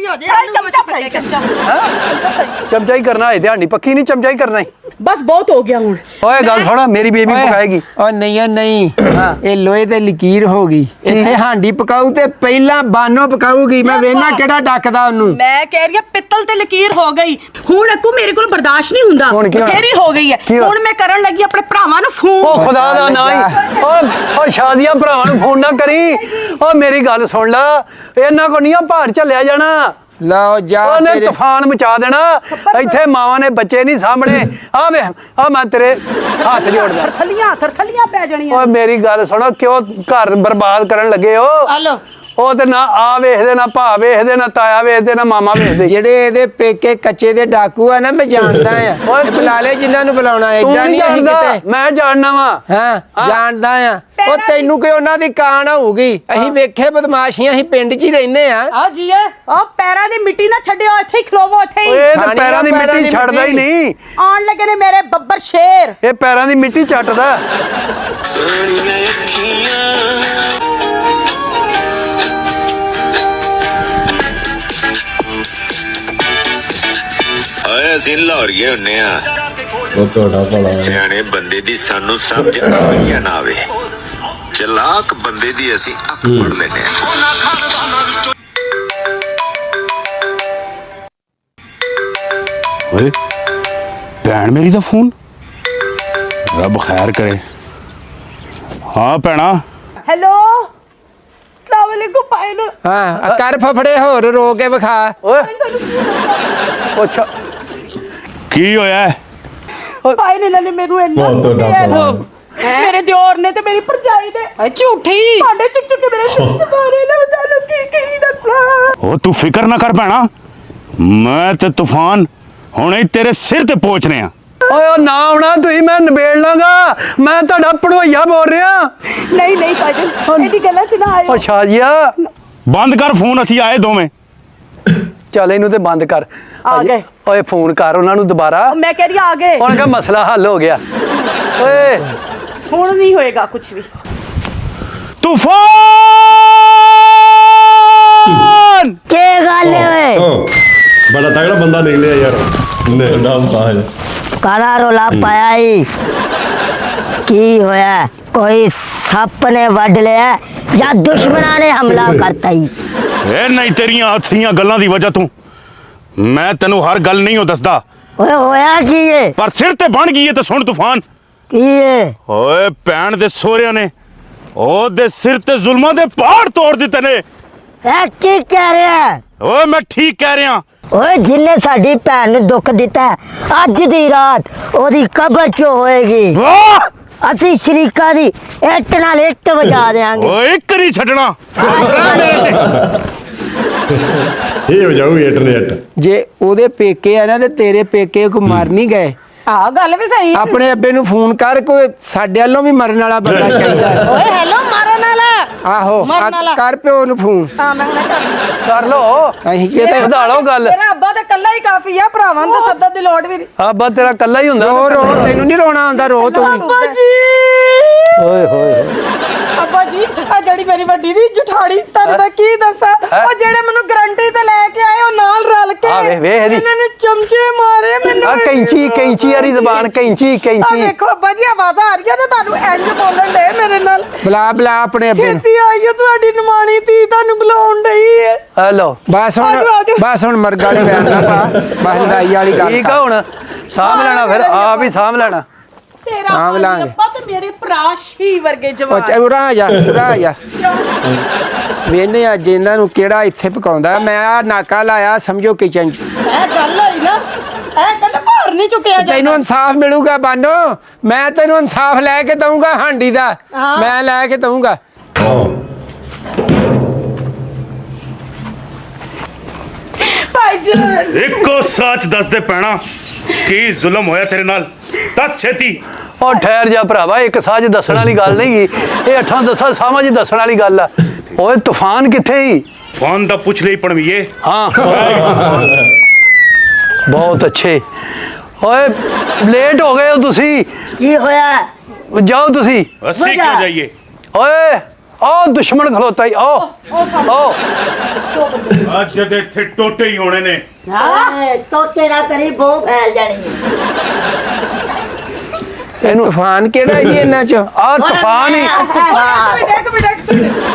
ਚਮਚਾ ਹੀ ਕਰਨਾ ਹੈ, ਧਿਆਨ ਪੱਕੀ ਨਹੀਂ ਚਮਚਾ ਹੀ ਕਰਨਾ ਹੈ। ਬਸ ਬਹੁਤ ਹੋ ਗਿਆ ਹੁਣ। ਓਏ ਗੱਲ ਸੁਣ, ਮੇਰੀ ਬੇਬੀ ਪਕਾਏਗੀ। ਓ ਨਹੀਂ ਨਹੀਂ, ਇਹ ਲੋਹੇ ਤੇ ਲਕੀਰ ਹੋ ਗਈ। ਇੱਥੇ ਹਾਂਡੀ ਪਕਾਊ ਤੇ ਪਹਿਲਾਂ ਬਾਨੋ ਪਕਾਊਗੀ। ਮੈਂ ਵੇਖਣਾ ਕਿਹੜਾ ਡੱਕਦਾ ਉਹਨੂੰ। ਮੈਂ ਕਹਿ ਰਹੀ ਆ ਪਿੱਤਲ ਤੇ ਲਕੀਰ ਹੋ ਗਈ ਹੁਣ। ਅੱਕੂ ਮੇਰੇ ਕੋਲ ਬਰਦਾਸ਼ਤ ਨਹੀਂ ਹੁੰਦਾ। ਹੁਣ ਕੀ ਹੋਣਾ? ਬਥੇਰੀ ਹੋ ਗਈ ਹੈ ਕੀ ਹੋਣਾ? ਹੁਣ ਮੈਂ ਕਰਨ ਲੱਗੀ ਆਪਣੇ ਭਰਾਵਾਂ ਨੂੰ ਫੋਨ। ਉਹ ਖੁਦਾ ਦਾ ਨਾ ਹੀ ਓ ਸ਼ਾਦੀਆਂ ਭਰਾਵਾਂ ਨੂੰ ਫੋਨ ਨਾ ਕਰੀ। ਓ ਮੇਰੀ ਗੱਲ ਸੁਣ ਲੈ, ਇਹਨਾਂ ਕੋ ਨਹੀਂ ਭਾਰ ਝੱਲਿਆ ਜਾਣਾ। ਲਓ ਜਾ ਉਹਨੇ ਤੇਰੇ ਤੂਫਾਨ ਮਚਾ ਦੇਣਾ। ਇੱਥੇ ਮਾਵਾਂ ਨੇ ਬੱਚੇ ਨਹੀਂ ਸਾਹਮਣੇ। ਆ ਵੇ ਆ ਮੈਂ ਤੇਰੇ ਹੱਥ ਜੋੜਦਾ। ਥਰਥਲੀਆਂ ਪੈ ਜਾਣੀਆਂ। ਓਏ ਮੇਰੀ ਗੱਲ ਸੁਣੋ, ਕਿਉਂ ਘਰ ਬਰਬਾਦ ਕਰਨ ਲੱਗੇ ਹੋ? ਹਲੋ ਉਹ ਤੇ ਨਾ ਆ ਵੇਖਦੇ, ਨਾ ਭਾ ਵੇਖਦੇ, ਨਾ ਤਾਇਆ ਵੇਖਦੇ, ਨਾ ਮਾਮਾ ਵੇਖਦੇ। ਜਿਹੜੇ ਇਹਦੇ ਪੇਕੇ ਕੱਚੇ ਦੇ ਡਾਕੂ ਆ ਨਾ, ਮੈਂ ਜਾਣਦਾ ਆ। ਓਏ ਇਹ ਬੁਲਾ ਲੈ ਜਿਨ੍ਹਾਂ ਨੂੰ ਬੁਲਾਉਣਾ। ਤੂੰ ਏਦਾਂ ਨਹੀਂ ਨਹੀਂ ਅਸੀਂ ਜਾਣਦਾ, ਕਿਤੇ। ਮੈਂ ਜਾਣਨਾ ਵਾ। ਹਾਂ ਜਾਣਦਾ ਆ। ਉਹ ਤੈਨੂੰ ਕਿ ਉਹਨਾਂ ਦੀ ਕਾਣ ਹੋਊਗੀ। ਅਸੀਂ ਵੇਖੇ ਬਦਮਾਸ਼ੀਆਂ, ਅਸੀਂ ਪਿੰਡ 'ਚ ਹੀ ਰਹਿੰਦੇ ਆ। ਆ ਜੀਏ ਉਹ ਪੈਰਾਂ ਦੀ ਮਿੱਟੀ ਨਾ ਛੱਡਿਓ, ਇੱਥੇ ਹੀ ਖਲੋਵੋ, ਇੱਥੇ ਹੀ। ਓਏ ਤੇ ਖਾਣੀ ਪੈਰਾਂ ਦੀ ਆ, ਪੈਰਾਂ ਮਿੱਟੀ ਦੀ ਛੱਡਦਾ ਹੀ ਮਿੱਟੀ। ਨਹੀਂ। ਆਉਣ ਲੱਗੇ ਨੇ ਮੇਰੇ ਬੱਬਰ ਸ਼ੇਰ। ਇਹ ਪੈਰਾਂ ਦੀ ਮਿੱਟੀ ਚੱਟਦਾ। ਓਏ ਅਸੀਂ ਲਾਹੌਰੀਏ ਹੁੰਨੇ ਆ। ਉਹ ਤੁਹਾਡਾ ਭਲਾ ਸਿਆਣੇ ਬੰਦੇ ਦੀ ਸਾਨੂੰ ਸਮਝ ਆਈ ਨਾ ਆਵੇ, ਚਲਾਕ ਬੰਦੇ ਦੀ ਅਸੀਂ ਅੱਖ ਫੜ ਲੈਨੇ ਆ। ਓਏ ਭੈਣ ਮੇਰੀ ਦਾ ਫੋਨ, ਰੱਬ ਖੈਰ ਕਰੇ। ਹਾਂ ਭੈਣਾ, ਹੈਲੋ ਅਸਲਾਮ ਵਾਲੇਕੁਮ ਭਾਈ ਨੂੰ। ਹਾਂ ਆ ਕਰ ਫਫੜੇ ਹੋਰ ਰੋ ਕੇ ਵਿਖਾ। ਓਏ ਪੁੱਛ ਕੀ ਹੋਇਆ? ਭਾਈ ਨੇ ਨਾਲੇ ਮੈਨੂੰ ਇੰਨਾ ਬਹੁਤ ਵੱਡਾ ਕੁੱਟਿਆ ਨਾ। ਭਲਾ। ਮੇਰੇ ਦਿਓਰ ਨੇ ਤੇ ਮੇਰੀ ਭਰਜਾਈ ਨੇ ਝੂਠੀ। ਭਾਂਡੇ ਚੁੱਕ ਚੁੱਕ ਕੇ ਮੇਰੇ ਸਿਰ 'ਚ ਮਾਰੇ। ਲੈ ਤੁਹਾਨੂੰ ਕੀ ਦੱਸਾਂ। ਉਹ ਤੂੰ ਫਿਕਰ ਨਾ ਕਰ ਭੈਣਾ, ਮੈਂ ਤੇ ਤੂਫਾਨ ਹੁਣੇ ਹੀ ਤੇਰੇ ਸਿਰ ਤੇ ਪਹੁੰਚਨੇ ਆ। ਓਏ ਉਹ ਨਾ ਆਉਣਾ ਤੁਸੀਂ, ਮੈਂ ਨਿਬੇੜ ਲਾਂਗਾ। ਮੈਂ ਤੁਹਾਡਾ ਪੜਵਈਆ ਬੋਲ ਰਿਹਾ। ਨਹੀਂ ਨਹੀਂ ਭਾਈ ਇਹਦੀ ਗੱਲਾਂ 'ਚ ਨਾ ਆਇਓ। ਓ ਸ਼ਾਜੀਆ ਬੰਦ ਕਰ ਫੋਨ, ਅਸੀਂ ਆਏ ਦੋਵੇਂ। ਚੱਲ ਇਹਨੂੰ ਤੇ ਬੰਦ ਕਰ। ਆ ਗਏ। ਓਏ ਫੋਨ ਕਰ ਉਹਨਾਂ ਨੂੰ ਦੁਬਾਰਾ। ਮੈਂ ਕਹਿ ਰਹੀ ਆ ਗਏ। ਉਹਨਾਂ ਦਾ ਮਸਲਾ ਹੱਲ ਹੋ ਗਿਆ। ਓਏ ਹੁਣ ਨਹੀਂ ਹੋਏਗਾ ਕੁਝ ਵੀ। ਤੂਫਾਨ ਕੀ ਗੱਲ ਓਏ? ਬੜਾ ਤਗੜਾ ਬੰਦਾ ਨਿਕਲਿਆ ਯਾਰ। ਨਾਮ ਪਾਇਆ ਕਾਲਾ ਰੋਲਾ ਪਾਇਆ ਈ? ਕੀ ਹੋਇਆ? ਕੋਈ ਸੱਪ ਨੇ ਵੱਢ ਲਿਆ ਜਾਂ ਦੁਸ਼ਮਣਾਂ ਨੇ ਹਮਲਾ ਕਰਤਾ ਈ? ਇਹ ਨਹੀਂ ਤੇਰੀਆਂ ਹੱਥੀਆਂ ਗੱਲਾਂ ਦੀ ਵਜ੍ਹਾ ਤੋਂ ਮੈਂ ਤੈਨੂੰ ਹਰ ਗੱਲ ਨਹੀਂ ਉਹ ਦੱਸਦਾ, ਓਏ ਹੋਇਆ ਕੀ ਏ? ਪਰ ਸਿਰ ਤੇ ਬਣ ਗਈ ਏ ਤੇ ਸੁਣ ਤੂਫਾਨ। ਕੀ ਏ? ਓਏ ਭੈਣ ਦੇ ਸਹੁਰਿਆਂ ਨੇ ਉਹਦੇ ਸਿਰ ਤੇ ਜ਼ੁਲਮਾਂ ਦੇ ਪਹਾੜ ਤੋੜ ਦਿੱਤੇ ਨੇ। ਇਹ ਕੀ ਕਹਿ ਰਿਹਾ? ਓਏ ਮੈਂ ਠੀਕ ਕਹਿ ਰਿਹਾ। ਓਏ ਜਿੰਨੇ ਸਾਡੀ ਭੈਣ ਨੂੰ ਦੁੱਖ ਦਿੱਤਾ ਹੈ, ਅੱਜ ਦੀ ਰਾਤ ਉਹਦੀ ਕਬਰ 'ਚ ਹੋਏਗੀ। ਵਾਹ ਅਸੀਂ ਸ਼ਰੀਕਾ ਦੀ ਇੱਟ ਨਾਲ ਇੱਟ ਵਜਾ ਦੇਾਂਗੇ। ਓਏ ਇੱਕ ਨਹੀਂ ਛੱਡਣਾ। ਇਹ ਹੋ ਜਾਊ ਇੰਟਰਨੈਟ। ਜੇ ਉਹਦੇ ਪੇਕੇ ਆ ਨਾ ਤੇ ਤੇਰੇ ਪੇਕੇ ਕੋ ਮਰ ਨਹੀਂ ਗਏ। ਆ ਗੱਲ ਵੀ ਸਹੀ ਹੈ। ਆਪਣੇ ਅੱਬੇ ਨੂੰ ਫੋਨ ਕਰ, ਕੋਈ ਸਾਡੇ ਵੱਲੋਂ ਵੀ ਮਰਨ ਵਾਲਾ ਬੰਦਾ ਚਾਹੀਦਾ ਹੈ। ਓਏ ਹੈਲੋ ਮਾਰਨ ਵਾਲਾ। ਆਹੋ ਮਰਨ ਵਾਲਾ। ਕਰ ਪਿਓ ਨੂੰ ਫੋਨ। ਹਾਂ ਮੈਂ ਹੁਣੇ ਕਰ ਲੋ ਅਸੀਂ ਕਿਤੇ ਵਧਾ ਲਓ ਗੱਲ। ਮੇਰਾ ਅੱਬਾ ਤਾਂ ਕੱਲਾ ਹੀ ਕਾਫੀ ਆ, ਭਰਾਵਾਂ ਨੂੰ ਤਾਂ ਸੱਦਣ ਦੀ ਲੋੜ ਵੀ ਨਹੀਂ। ਆਬਾ ਤੇਰਾ ਕੱਲਾ ਹੀ ਹੁੰਦਾ। ਰੋ ਰੋ, ਤੈਨੂੰ ਨਹੀਂ ਰੋਣਾ ਆਉਂਦਾ, ਰੋ ਤੂੰ ਵੀ। ਅੱਬਾ ਜੀ, ਓਏ ਹੋਏ ਅੱਬਾ ਜੀ ਆ ਜਿਹੜੀ ਮੇਰੀ ਵੱਡੀ ਦੀ ਜਠਾੜੀ, ਤੁਹਾਨੂੰ ਮੈਂ ਕੀ ਦੱਸਾਂ, ਉਹ ਜਿਹੜੇ ਮੈਨੂੰ ਗਰੰਟੀ ਤੇ ਲੈ ਕੇ ਆਏ ਉਹ ਨਾਲ ਰਲ ਕੇ ਆ ਵੇਖ ਇਹਦੀ। ਇਹਨਾਂ ਨੇ ਚਮਚੇ ਮਾਰੇ ਮੈਨੂੰ। ਆ ਕੈਂਚੀ ਵਾਲੀ ਜ਼ਬਾਨ, ਕੈਂਚੀ ਆ ਵੇਖੋ ਅੱਬਾ ਜੀ, ਆਵਾਜ਼ਾਂ ਆ ਰਹੀਆਂ ਨੇ ਤੁਹਾਨੂੰ, ਇੰਜ ਬੋਲਣ ਦੇ ਮੇਰੇ ਨਾਲ। ਬੁਲਾ ਆਪਣੇ ਅੱਬੇ ਨੂੰ। ਛੇਤੀ ਆਈਓ, ਤੁਹਾਡੀ ਨਿਮਾਣੀ ਧੀ ਤੁਹਾਨੂੰ ਬੁਲਾਉਣ ਡਈ ਹੈ। ਹੈਲੋ ਬਸ ਆਜੋ, ਆਜੋ। ਹੁਣ ਮਰਗ ਵਾਲੇ ਬਿਆਨ ਨਾ ਪਾ, ਬਸ ਲੜਾਈ ਵਾਲੀ ਗੱਲ ਠੀਕ ਕਰ। ਆ ਹੁਣ ਸਾਂਭ ਲੈਣਾ, ਫਿਰ ਆਪ ਹੀ ਸਾਂਭ ਲੈਣਾ। ਤੇਰਾ ਸਾਂਭ ਲਾਂਗੇ। ਅੱਬਾ ਤੇ ਮੇਰੇ ਭਰਾ ਸ਼ੀ ਵਰਗੇ ਉਹ ਜਵਾਨ। ਉਰਾ ਆ ਜਾ, ਉਰਾ ਆ ਜਾ। ਵੇਨੇ ਅੱਜ ਇਹਨਾਂ ਨੂੰ ਕਿਹੜਾ ਇੱਥੇ ਪਕਾਉਂਦਾ। ਮੈਂ ਆ ਨਾਕਾ ਲਾਇਆ ਸਮਝੋ ਕਿਚਨ 'ਚ। ਇਹ ਗੱਲ ਹੋਈ ਨਾ, ਇਹ ਕਹਿੰਦੇ ਭਾਰ ਨਹੀਂ ਚੁੱਕਿਆ ਜਾਂਦਾ। ਤੈਨੂੰ ਇਨਸਾਫ ਮਿਲੂਗਾ ਬਾਨੋ, ਮੈਂ ਤੈਨੂੰ ਇਨਸਾਫ ਲੈ ਕੇ ਦਊਂਗਾ ਹਾਂਡੀ ਦਾ, ਮੈਂ ਲੈ ਕੇ ਦਊਂਗਾ। ਭਾਈਜਾਨ ਇੱਕੋ ਸੱਚ ਦੱਸ ਦੇ ਪੈਣਾ, ਕੀ ਜ਼ੁਲਮ ਹੋਇਆ ਤੇਰੇ ਨਾਲ? ਦੱਸ ਛੇਤੀ। ਉਹ ਠਹਿਰ ਜਾ ਭਰਾਵਾ, ਇੱਕ ਸਾਜ ਦੱਸਣ ਵਾਲੀ ਗੱਲ ਨਹੀਂ ਗੀ, ਇਹ 8-10 ਸਾਵਾਂ 'ਚ ਦੱਸਣ ਵਾਲੀ ਗੱਲ ਆ। ਓਏ ਤੂਫਾਨ ਕਿੱਥੇ ਹੀ? ਫੋਨ ਦਾ ਪੁੱਛ ਲਈ ਪਣਵੀਏ। ਹਾਂ ਬਹੁਤ ਅੱਛੇ। ਓਏ ਲੇਟ ਹੋ ਗਏ ਹੋ ਤੁਸੀਂ, की होया ਜਾਓ ਤੁਸੀਂ। ਅਸੀਂ ਕਿਉਂ ਜਾਈਏ? ਓਏ ਉਹ ਦੁਸ਼ਮਣ ਖਲੋਤਾ ਹੀ, ਉਹ ਅੱਜ ਦੇ ਇੱਥੇ ਟੋਟੇ ਹੀ ਹੋਣੇ ਨੇ। तो तेरा करी बो फैल जानी ਇਹਨੂੰ ਤੂਫਾਨ ਕਿਹੜਾ ਜੀ ਇਹਨਾਂ 'ਚ? ਆ ਤੂਫਾਨ ਹੀ। ਇੱਕ ਮਿੰਟ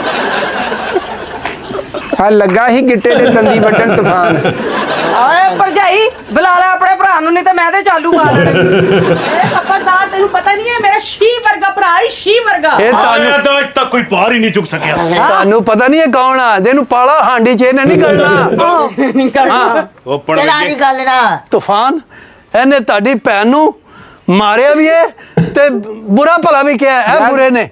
ਆ ਲੱਗਾ ਹੀ ਗਿੱਟੇ ਤੇ ਦੰਦੀ ਵੱਢਣ ਤੂਫਾਨ। ਓਏ ਭਰਜਾਈ ਬੁਲਾ ਲੈ ਆਪਣੇ ਭਰਾ ਨੂੰ, ਨਹੀਂ ਤੇ ਮੈਂ ਤੇ ਚਾਲੂ ਮਾਰ ਲੈਣੀ। ਇਹ ਖਬਰਦਾਰ, ਤੈਨੂੰ ਪਤਾ ਨਹੀਂ ਹੈ ਮੇਰਾ ਸ਼ੀ ਵਰਗਾ ਭਰਾ ਹੀ ਸ਼ੀ ਵਰਗਾ। ਇਹ ਆਇਆ ਤਾਂ ਅੱਜ ਤੱਕ ਕੋਈ ਬਾਹਰ ਹੀ ਨਹੀਂ ਚੁੱਕ ਸਕਿਆ। ਤੁਹਾਨੂੰ ਪਤਾ ਨਹੀਂ ਇਹ ਕੌਣ ਆ? ਇਹਨੂੰ ਪਾਲਾ ਹਾਂਡੀ 'ਚ ਇਹਨੇ ਨਹੀਂ ਗਲਣਾ। ਉਹ तेरा ਪਣਵੀਏ नहीं गलना ਤੂਫਾਨ ਇਹਨੇ ਤੁਹਾਡੀ ਭੈਣ ਨੂੰ ਮਾਰਿਆ ਵੀ ਹੈ ਤੇ ਬੁਰਾ ਭਲਾ ਵੀ ਕਿਹਾ ਇਹ ਬੁਰੇ ਨੇ।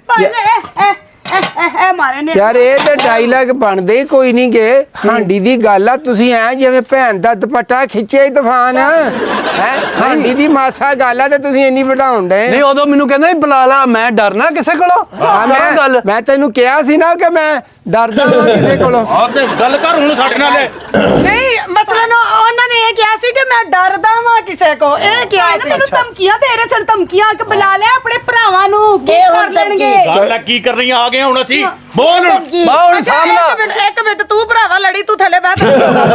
ਇਹ ਮਾਰੇ ਨੇ। ਯਾਰ ਇਹ ਤੇ ਡਾਇਲੌਗ ਬਣਦੇ ਹੀ ਕੋਈ ਨਹੀਂ ਗੇ। ਹਾਂਡੀ ਦੀ ਗੱਲ ਆ, ਤੁਸੀਂ ਐ ਜਿਵੇਂ ਭੈਣ ਦਾ ਦੁਪੱਟਾ ਖਿੱਚਿਆ ਹੀ ਤੂਫਾਨ ਹੈ। ਹਾਂਡੀ ਦੀ ਮਾਸਾ ਗੱਲ ਆ ਤੇ ਤੁਸੀਂ ਇੰਨੀ ਵਧਾਉਣ ਡਏ। ਨਹੀਂ ਉਦੋਂ ਮੈਨੂੰ ਕਹਿੰਦਾ ਸੀ ਬੁਲਾ ਲਾ, ਮੈਂ ਡਰਨਾ ਕਿਸੇ ਕੋਲੋਂ? ਗੱਲ ਮੈਂ ਤੈਨੂੰ ਕਿਹਾ ਸੀ ਨਾ ਕਿ ਮੈਂ ਡਰਦਾ ਹਾਂ ਕਿਸੇ ਕੋਲੋਂ। ਆ ਤੇ ਗੱਲ ਕਰ ਹੁਣ ਸਾਡੇ ਨਾਲ। ਨਹੀਂ ਮਸਲਨ ਉਹਨਾਂ ਨੇ ਇਹ ਕਿਹਾ ਸੀ ਕਿ ਮੈਂ ਡਰਦਾ ਵਾਂ ਕਿਸੇ ਕੋ, ਇਹ ਕਿਹਾ ਸੀ। ਮੈਨੂੰ ਧਮਕੀਆਂ ਦੇ ਰਹੇ ਸਨ, ਧਮਕੀਆਂ ਕਿ ਬੁਲਾ ਲੈ ਆਪਣੇ ਭਰਾਵਾਂ ਨੂੰ, ਕੀ ਇਹ ਕਰ ਹੁਣ ਲੈਣਗੇ? ਗੱਲ ਕੀ ਕਰ ਰਹੀ ਆ ਗਏ ਹੁਣ ਅਸੀਂ। ਬੋਲ की ਬਾਹਰ ਅੱਛਾ, ਸਾਹਮਣਾ। ਇੱਕ ਮਿੰਟ ਤੂੰ ਭਰਾਵਾ ਲੜੀ, ਤੂੰ ਥੱਲੇ ਬੈਠ।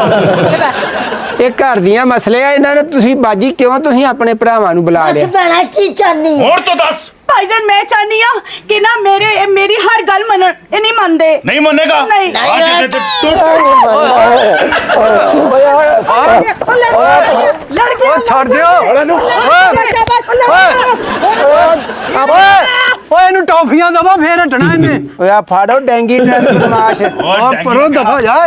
ਇਹ ਘਰ ਦੀਆਂ ਮਸਲੇ ਆ, ਇਹਨਾਂ ਨੇ ਤੁਸੀਂ ਬਾਜੀ ਕਿਉਂ ਤੁਸੀਂ ਆਪਣੇ ਭਰਾਵਾਂ ਨੂੰ ਬੁਲਾ ਲਿਆ? बस बना की चाहनी ਹੋਰ ਤਾਂ ਦੱਸ। ਭਾਈਜਾਨ ਮੈਂ ਚਾਹਨੀ ਆ ਕਿ ਨਾ ਮੇਰੀ ਹਰ ਗੱਲ ਮੰਨਣ। ਇਹ ਨਹੀਂ ਮੰਨਦੇ। ਨਹੀਂ ਮੰਨੇਗਾ। ਨਹੀਂ। ਅੱਜ ਦੇ ਟੋਟੇ ਓ ਛੱਡ ਦਿਓ। ਓਏ ਇਹਨੂੰ ਟੌਫੀਆਂ ਦਵਾ ਫੇਰ ਹਟਣਾ ਇਹਨੇ। ਓਏ ਆ ਫਾੜੋ ਡੈਂਗੀ ਬਦਮਾਸ਼। ਓ ਪਰੋਂ ਦਫਾ ਜਾ।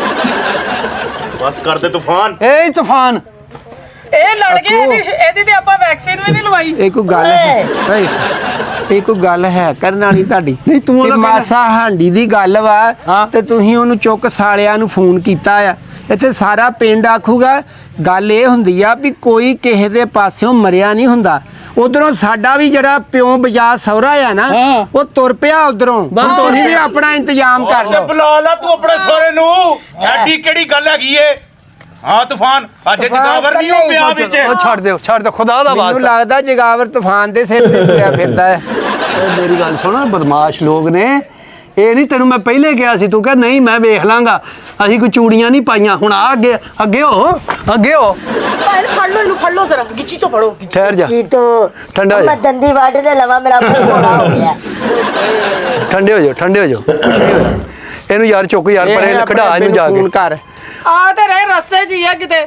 ਬਸ ਕਰ ਦੇ ਤੂਫਾਨ। ਏ ਤੂਫਾਨ ਇਹ ਲੜ ਗਏ, ਇਹਦੀ ਤੇ ਆਪਾਂ ਵੈਕਸੀਨ ਵੀ ਨਹੀਂ ਲਵਾਈ। ਇਹ ਕੋਈ ਗੱਲ ਹੈ? ਓਏ ਇਹ ਕੋਈ ਗੱਲ ਹੈ ਕਰਨ ਵਾਲੀ ਤੁਹਾਡੀ? ਨਹੀਂ, ਤੂੰ ਉਹਦਾ ਇਹ ਮਾਸਾ ਹਾਂਡੀ ਦੀ ਗੱਲ ਵਾ ਹਾਂ। ਤੇ ਤੁਸੀਂ ਉਹਨੂੰ ਚੁੱਕ ਸਾਲਿਆਂ ਨੂੰ ਫੋਨ ਕੀਤਾ ਆ। ਇੱਥੇ ਸਾਰਾ ਪਿੰਡ ਆਖੂਗਾ। ਗੱਲ ਇਹ ਹੁੰਦੀ ਆ ਵੀ ਕੋਈ ਕਿਸੇ ਦੇ ਪਾਸਿਓਂ ਮਰਿਆ ਨਹੀਂ ਹੁੰਦਾ। ਉਧਰੋਂ ਸਾਡਾ ਵੀ ਜਿਹੜਾ ਪਿਓ ਬਜਾ ਸਹੁਰਾ ਆ ਨਾ, ਹਾਂ। ਉਹ ਤੁਰ ਪਿਆ ਉਧਰੋਂ। ਬਸ ਤੁਸੀਂ ਵੀ ਆਪਣਾ ਇੰਤਜ਼ਾਮ ਕਰ ਲਓ। ਬੁਲਾ ਲਾ ਤੂੰ ਆਪਣੇ ਸਹੁਰੇ ਨੂੰ। ਐਡੀ ਕਿਹੜੀ ਗੱਲ ਹੈਗੀ ਏ? ਹਾਂ ਤੂਫਾਨ, ਅੱਜ ਜਗਾਵਰ ਨਹੀਂ ਹੋ ਪਿਆ ਵਿੱਚ। ਓ ਛੱਡ ਦਿਓ, ਛੱਡ ਦਿਓ, ਖੁਦਾ ਦਾ ਮੈਨੂੰ ਵਾਸਤਾ। ਲੱਗਦਾ ਜਗਾਵਰ ਤੂਫਾਨ ਦੇ ਸਿਰ ਤੇ ਤੁਰਿਆ ਫਿਰਦਾ ਹੈ। ਓਏ ਮੇਰੀ ਗੱਲ ਸੁਣ, ਬਦਮਾਸ਼ ਲੋਕ ਨੇ ਇਹ। ਨਹੀਂ ਤੈਨੂੰ ਮੈਂ ਪਹਿਲੇ ਕਿਹਾ ਸੀ, ਤੂੰ ਕਹ ਨਹੀਂ ਮੈਂ ਵੇਖ ਲਾਂਗਾ। ਅਸੀਂ ਕੋਈ ਚੂੜੀਆਂ ਨਹੀਂ ਪਾਈਆਂ। ਹੁਣ ਆ ਅੱਗੇ ਅੱਗੇ ਹੋ, ਅੱਗੇ ਹੋ। ਭਾਈ ਫੜ ਲਓ ਇਹਨੂੰ, ਫੜ ਲਓ ਜ਼ਰਾ, ਗਿੱਚੀ ਤੋਂ ਫੜੋ। ਠਹਿਰ ਜਾ, की तो ठंडा हो जा। मैं दंदी वाट दे लवा मेरा मुंह बड़ा हो गया ਠੰਡੇ ਹੋ ਜਾਓ, ਠੰਡੇ ਹੋ ਜਾਓ, ਕੁਛ ਨਹੀਂ ਹੋਇਆ। ਇਹਨੂੰ ਯਾਰ ਚੁੱਕ ਯਾਰ ਇਹ ਪਰੇ ਆਪਣੇ ਖੜਾ ਇਹਨੂੰ ਜਾ ਫੋਨ ਕੇ। ਕਰ। ਆ ਤੇ ਰਹੇ ਰਸਤੇ 'ਚ ਹੀ ਆ ਕਿਤੇ।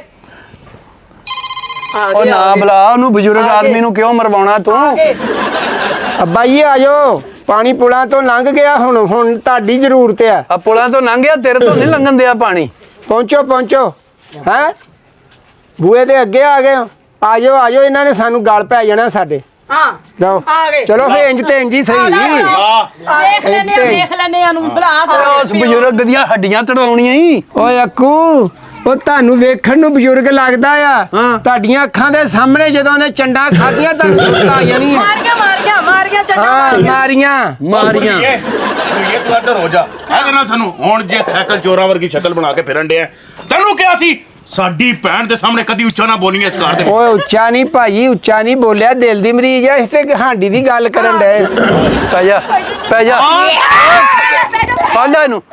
ਉਹ ਨਾ ਬੁਲਾ ਉਹਨੂੰ, ਬਜ਼ੁਰਗ ਆਦਮੀ ਨੂੰ ਕਿਉਂ ਮਰਵਾਉਣਾ ਤੂੰ? ਅੱਬਾ ਜੀ ਆ ਜਾਓ, ਪਾਣੀ ਪੁਲਾਂ ਤੋਂ ਲੰਘ ਗਿਆ। ਹੁਣ ਤੁਹਾਡੀ ਜ਼ਰੂਰਤ ਆ। ਆ ਪੁਲਾਂ ਤੋਂ ਲੰਘ ਗਿਆ, ਤੇਰੇ ਤੋਂ ਨਹੀਂ ਲੰਘਣ ਦਿਆ ਪਾਣੀ। ਪਹੁੰਚੋ ਪਹੁੰਚੋ। ਹੈ ਬੂਏ ਦੇ ਅੱਗੇ ਆ ਗਏ ਹੋ। ਆ ਜਾਓ ਆ ਜਾਓ, ਇਹਨਾਂ ਨੇ ਸਾਨੂੰ ਗਲ ਪੈ ਜਾਣਾ ਸਾਡੇ। ਹਾਂ ਜਾਓ ਆ ਗਏ। ਚਲੋ ਫੇ ਇੰਜ ਤੇ ਇੰਜ ਹੀ ਸਹੀ ਦੇਖ ਲੈਨੇ ਆ ਨੂੰ ਭਰਾ ਉਸ ਬਜ਼ੁਰਗ ਦੀਆਂ ਹੱਡੀਆਂ ਤੜਾਉਣੀਆਂ ਹੀ ਓਏ ਅੱਕੂ ਉਹ ਤੁਹਾਨੂੰ ਵੇਖਣ ਨੂੰ ਬਜ਼ੁਰਗ ਲੱਗਦਾ ਆ ਹਾਂ। ਤੁਹਾਡੀਆਂ ਅੱਖਾਂ ਦੇ ਸਾਹਮਣੇ ਜਦੋਂ ਉਹਨੇ ਚੰਡਾ ਖਾਧੀਆਂ ਤੁਹਾਨੂੰ ਸੁੱਤ ਆ ਜਾਣੀ ਆ ਮਾਰੀਆਂ ਚੱਡਾ ਹਾਂ ਮਾਰੀਆਂ ਇਹ ਤੂੰ ਇੱਧਰ ਹੋ ਜਾ ਇਹਦੇ ਨਾਲ ਸਾਨੂੰ ਹੁਣ ਜੇ ਸਾਈਕਲ ਚੋਰਾਂ ਵਰਗੀ ਸ਼ਕਲ ਬਣਾ ਕੇ ਫਿਰਨ ਡਿਆ ਤੈਨੂੰ ਕਿਹਾ ਸੀ ਸਾਡੀ ਭੈਣ ਦੇ ਸਾਹਮਣੇ ਕਦੀ ਉੱਚਾ ਨਾ ਬੋਲੀਏ ਇਸ ਘਰ ਦੇ ਵਿੱਚ। ਓਏ ਉੱਚਾ ਨਹੀਂ ਭਾਈ ਉੱਚਾ ਨਹੀਂ ਬੋਲਿਆ ਦਿਲ ਦੀ ਮਰੀਜ਼ ਆ ਇਸ ਤੇ ਹਾਂਡੀ ਦੀ ਗੱਲ ਕਰਨ ਡਏ ਪੈ ਜਾ ਫੜ ਲੈ ਇਹਨੂੰ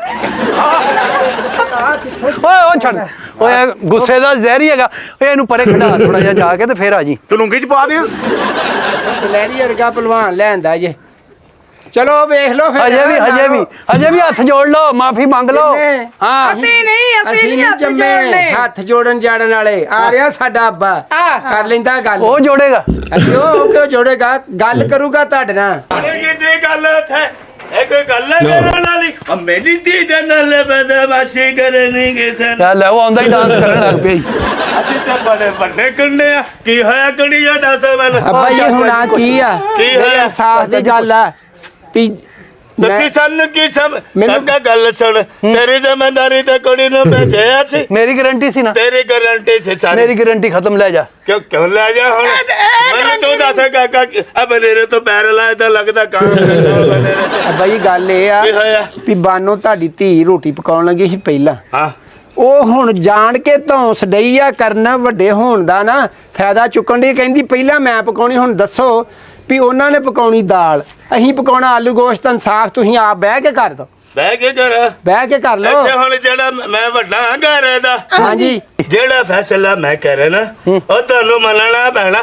ਓਏ ਉਹ ਛੱਡ ਓਏ ਇਹ ਗੁੱਸੇ ਦਾ ਜ਼ਹਿਰ ਹੀ ਹੈਗਾ ਓਏ ਇਹਨੂੰ ਪਰੇ ਖੜਾ ਥੋੜਾ ਜਿਹਾ ਜਾ ਕੇ ਤੇ ਫੇਰ ਆ ਜੀ ਤੂੰ ਲੁੰਗੀ ਚ ਪਾ ਦਿਆਂ ਲਹਿਰੀ ਵਰਗਾ ਪਹਿਲਵਾਨ ਲੈਂਦਾ ਜੇ ਚਲੋ ਵੇਖ ਲਓ ਫਿਰ ਹਜੇ ਵੀ ਹੱਥ ਜੋੜ ਲਓ ਮਾਫੀ ਮੰਗ ਲਓ ਕਿੰਨੇ? ਹਾਂ ਅਸੀਂ ਨਹੀਂ ਹੱਥ ਜੰਮੇ ਹੱਥ ਜੋੜਨ ਜਾੜਨ ਵਾਲੇ ਆ ਰਿਹਾ ਸਾਡਾ ਅੱਬਾ ਕਰ ਲੈਂਦਾ ਗੱਲ ਉਹ ਜੋੜੇਗਾ ਉਹ ਕਿਉਂ ਜੋੜੇਗਾ ਗੱਲ ਕਰੂਗਾ ਤੁਹਾਡੇ ਨਾਲ ਕਿੰਨੀ ਗੱਲ ਇੱਥੇ ਇਹ ਕੋਈ ਗੱਲ ਹੈ ਕਰਨ ਵਾਲੀ ਮੇਰੀ ਧੀ ਦੇ ਨਾਲ ਬਦਮਾਸ਼ੀ ਕਰਨੀ ਕਿਸੇ ਲੈ ਲੈ ਉਹ ਆਉਂਦਾ ਹੀ ਡਾਂਸ ਕਰਨ ਲੱਗ ਪਿਆ ਜੀ। ਅਸੀਂ ਤਾਂ ਬੜੇ ਵੱਡੇ ਕੰਡੇ ਆ ਕੀ ਹੋਇਆ ਕੁੜੀਆ ਦੱਸ ਮੈਨੂੰ ਅੱਬਾ ਜੀ ਹੁਣ ਆ ਕੀ ਆ ਕੀ ਹੋਇਆ? ਇਨਸਾਫ ਦੀ ਗੱਲ ਆ ਵੀ ਤੁਸੀਂ ਸਾਨੂੰ ਕੀ ਸਭ ਮੈਨੂੰ- ਕਾਕਾ ਗੱਲ ਸੁਣ ਤੇਰੀ ਜ਼ਿੰਮੇਵਾਰੀ ਤੇ ਕੁੜੀ ਨੂੰ ਭੇਜਿਆ ਸੀ ਮੇਰੀ ਗਾਰੰਟੀ ਸੀ ਨਾ ਤੇਰੀ ਗਾਰੰਟੀ ਸੀ ਸਾਰੀ ਮੇਰੀ ਗਾਰੰਟੀ ਖਤਮ ਲੈ ਜਾ ਕਿਉਂ ਲੈ ਜਾ ਹੁਣ ਮੈਨੂੰ ਤੂੰ ਦੱਸ ਕਾਕਾ ਆ ਬਨੇਰੇ ਤੋਂ ਪੈਰ ਲਾਇਆ ਤਾਂ ਲੱਗਦਾ ਕਾਂ ਅੱਬਾ ਜੀ ਗੱਲ ਇਹ ਆ ਕੀ ਹੋਇਆ ਵੀ ਬਾਨੋ ਤੁਹਾਡੀ ਧੀ ਰੋਟੀ ਪਕਾਉਣ ਲੱਗੀ ਸੀ ਪਹਿਲਾਂ ਹਾਂ ਉਹ ਹੁਣ ਜਾਣ ਕੇ ਧੌਂਸ ਡਈ ਆ ਕਰਨਾ ਵੱਡੇ ਹੋਣ ਦਾ ਨਾ ਫਾਇਦਾ ਚੁੱਕਣ ਦੀ ਕਹਿੰਦੀ ਪਹਿਲਾਂ ਮੈਂ ਪਕਾਉਣੀ ਹੁਣ ਦੱਸੋ ਵੀ ਉਹਨਾਂ ਨੇ ਪਕਾਉਣੀ ਦਾਲ ਅਸੀਂ ਪਕਾਉਣਾ ਆਲੂ ਗੋਸ਼ਤ ਇਨਸਾਫ ਤੁਸੀਂ ਆਪ ਬਹਿ ਕੇ ਕਰ ਦੋ ਬਹਿ ਕੇ ਕਰ ਬਹਿ ਕੇ ਕਰ ਲਓ ਇੱਥੇ ਹੁਣ ਜਿਹੜਾ ਮੈਂ ਵੱਡਾ ਹਾਂ ਘਰ ਦਾ ਹਾਂਜੀ ਜਿਹੜਾ ਫੈਸਲਾ ਮੈਂ ਕਰਾਂ ਨਾ ਉਹ ਤੁਹਾਨੂੰ ਮੰਨਣਾ ਪੈਣਾ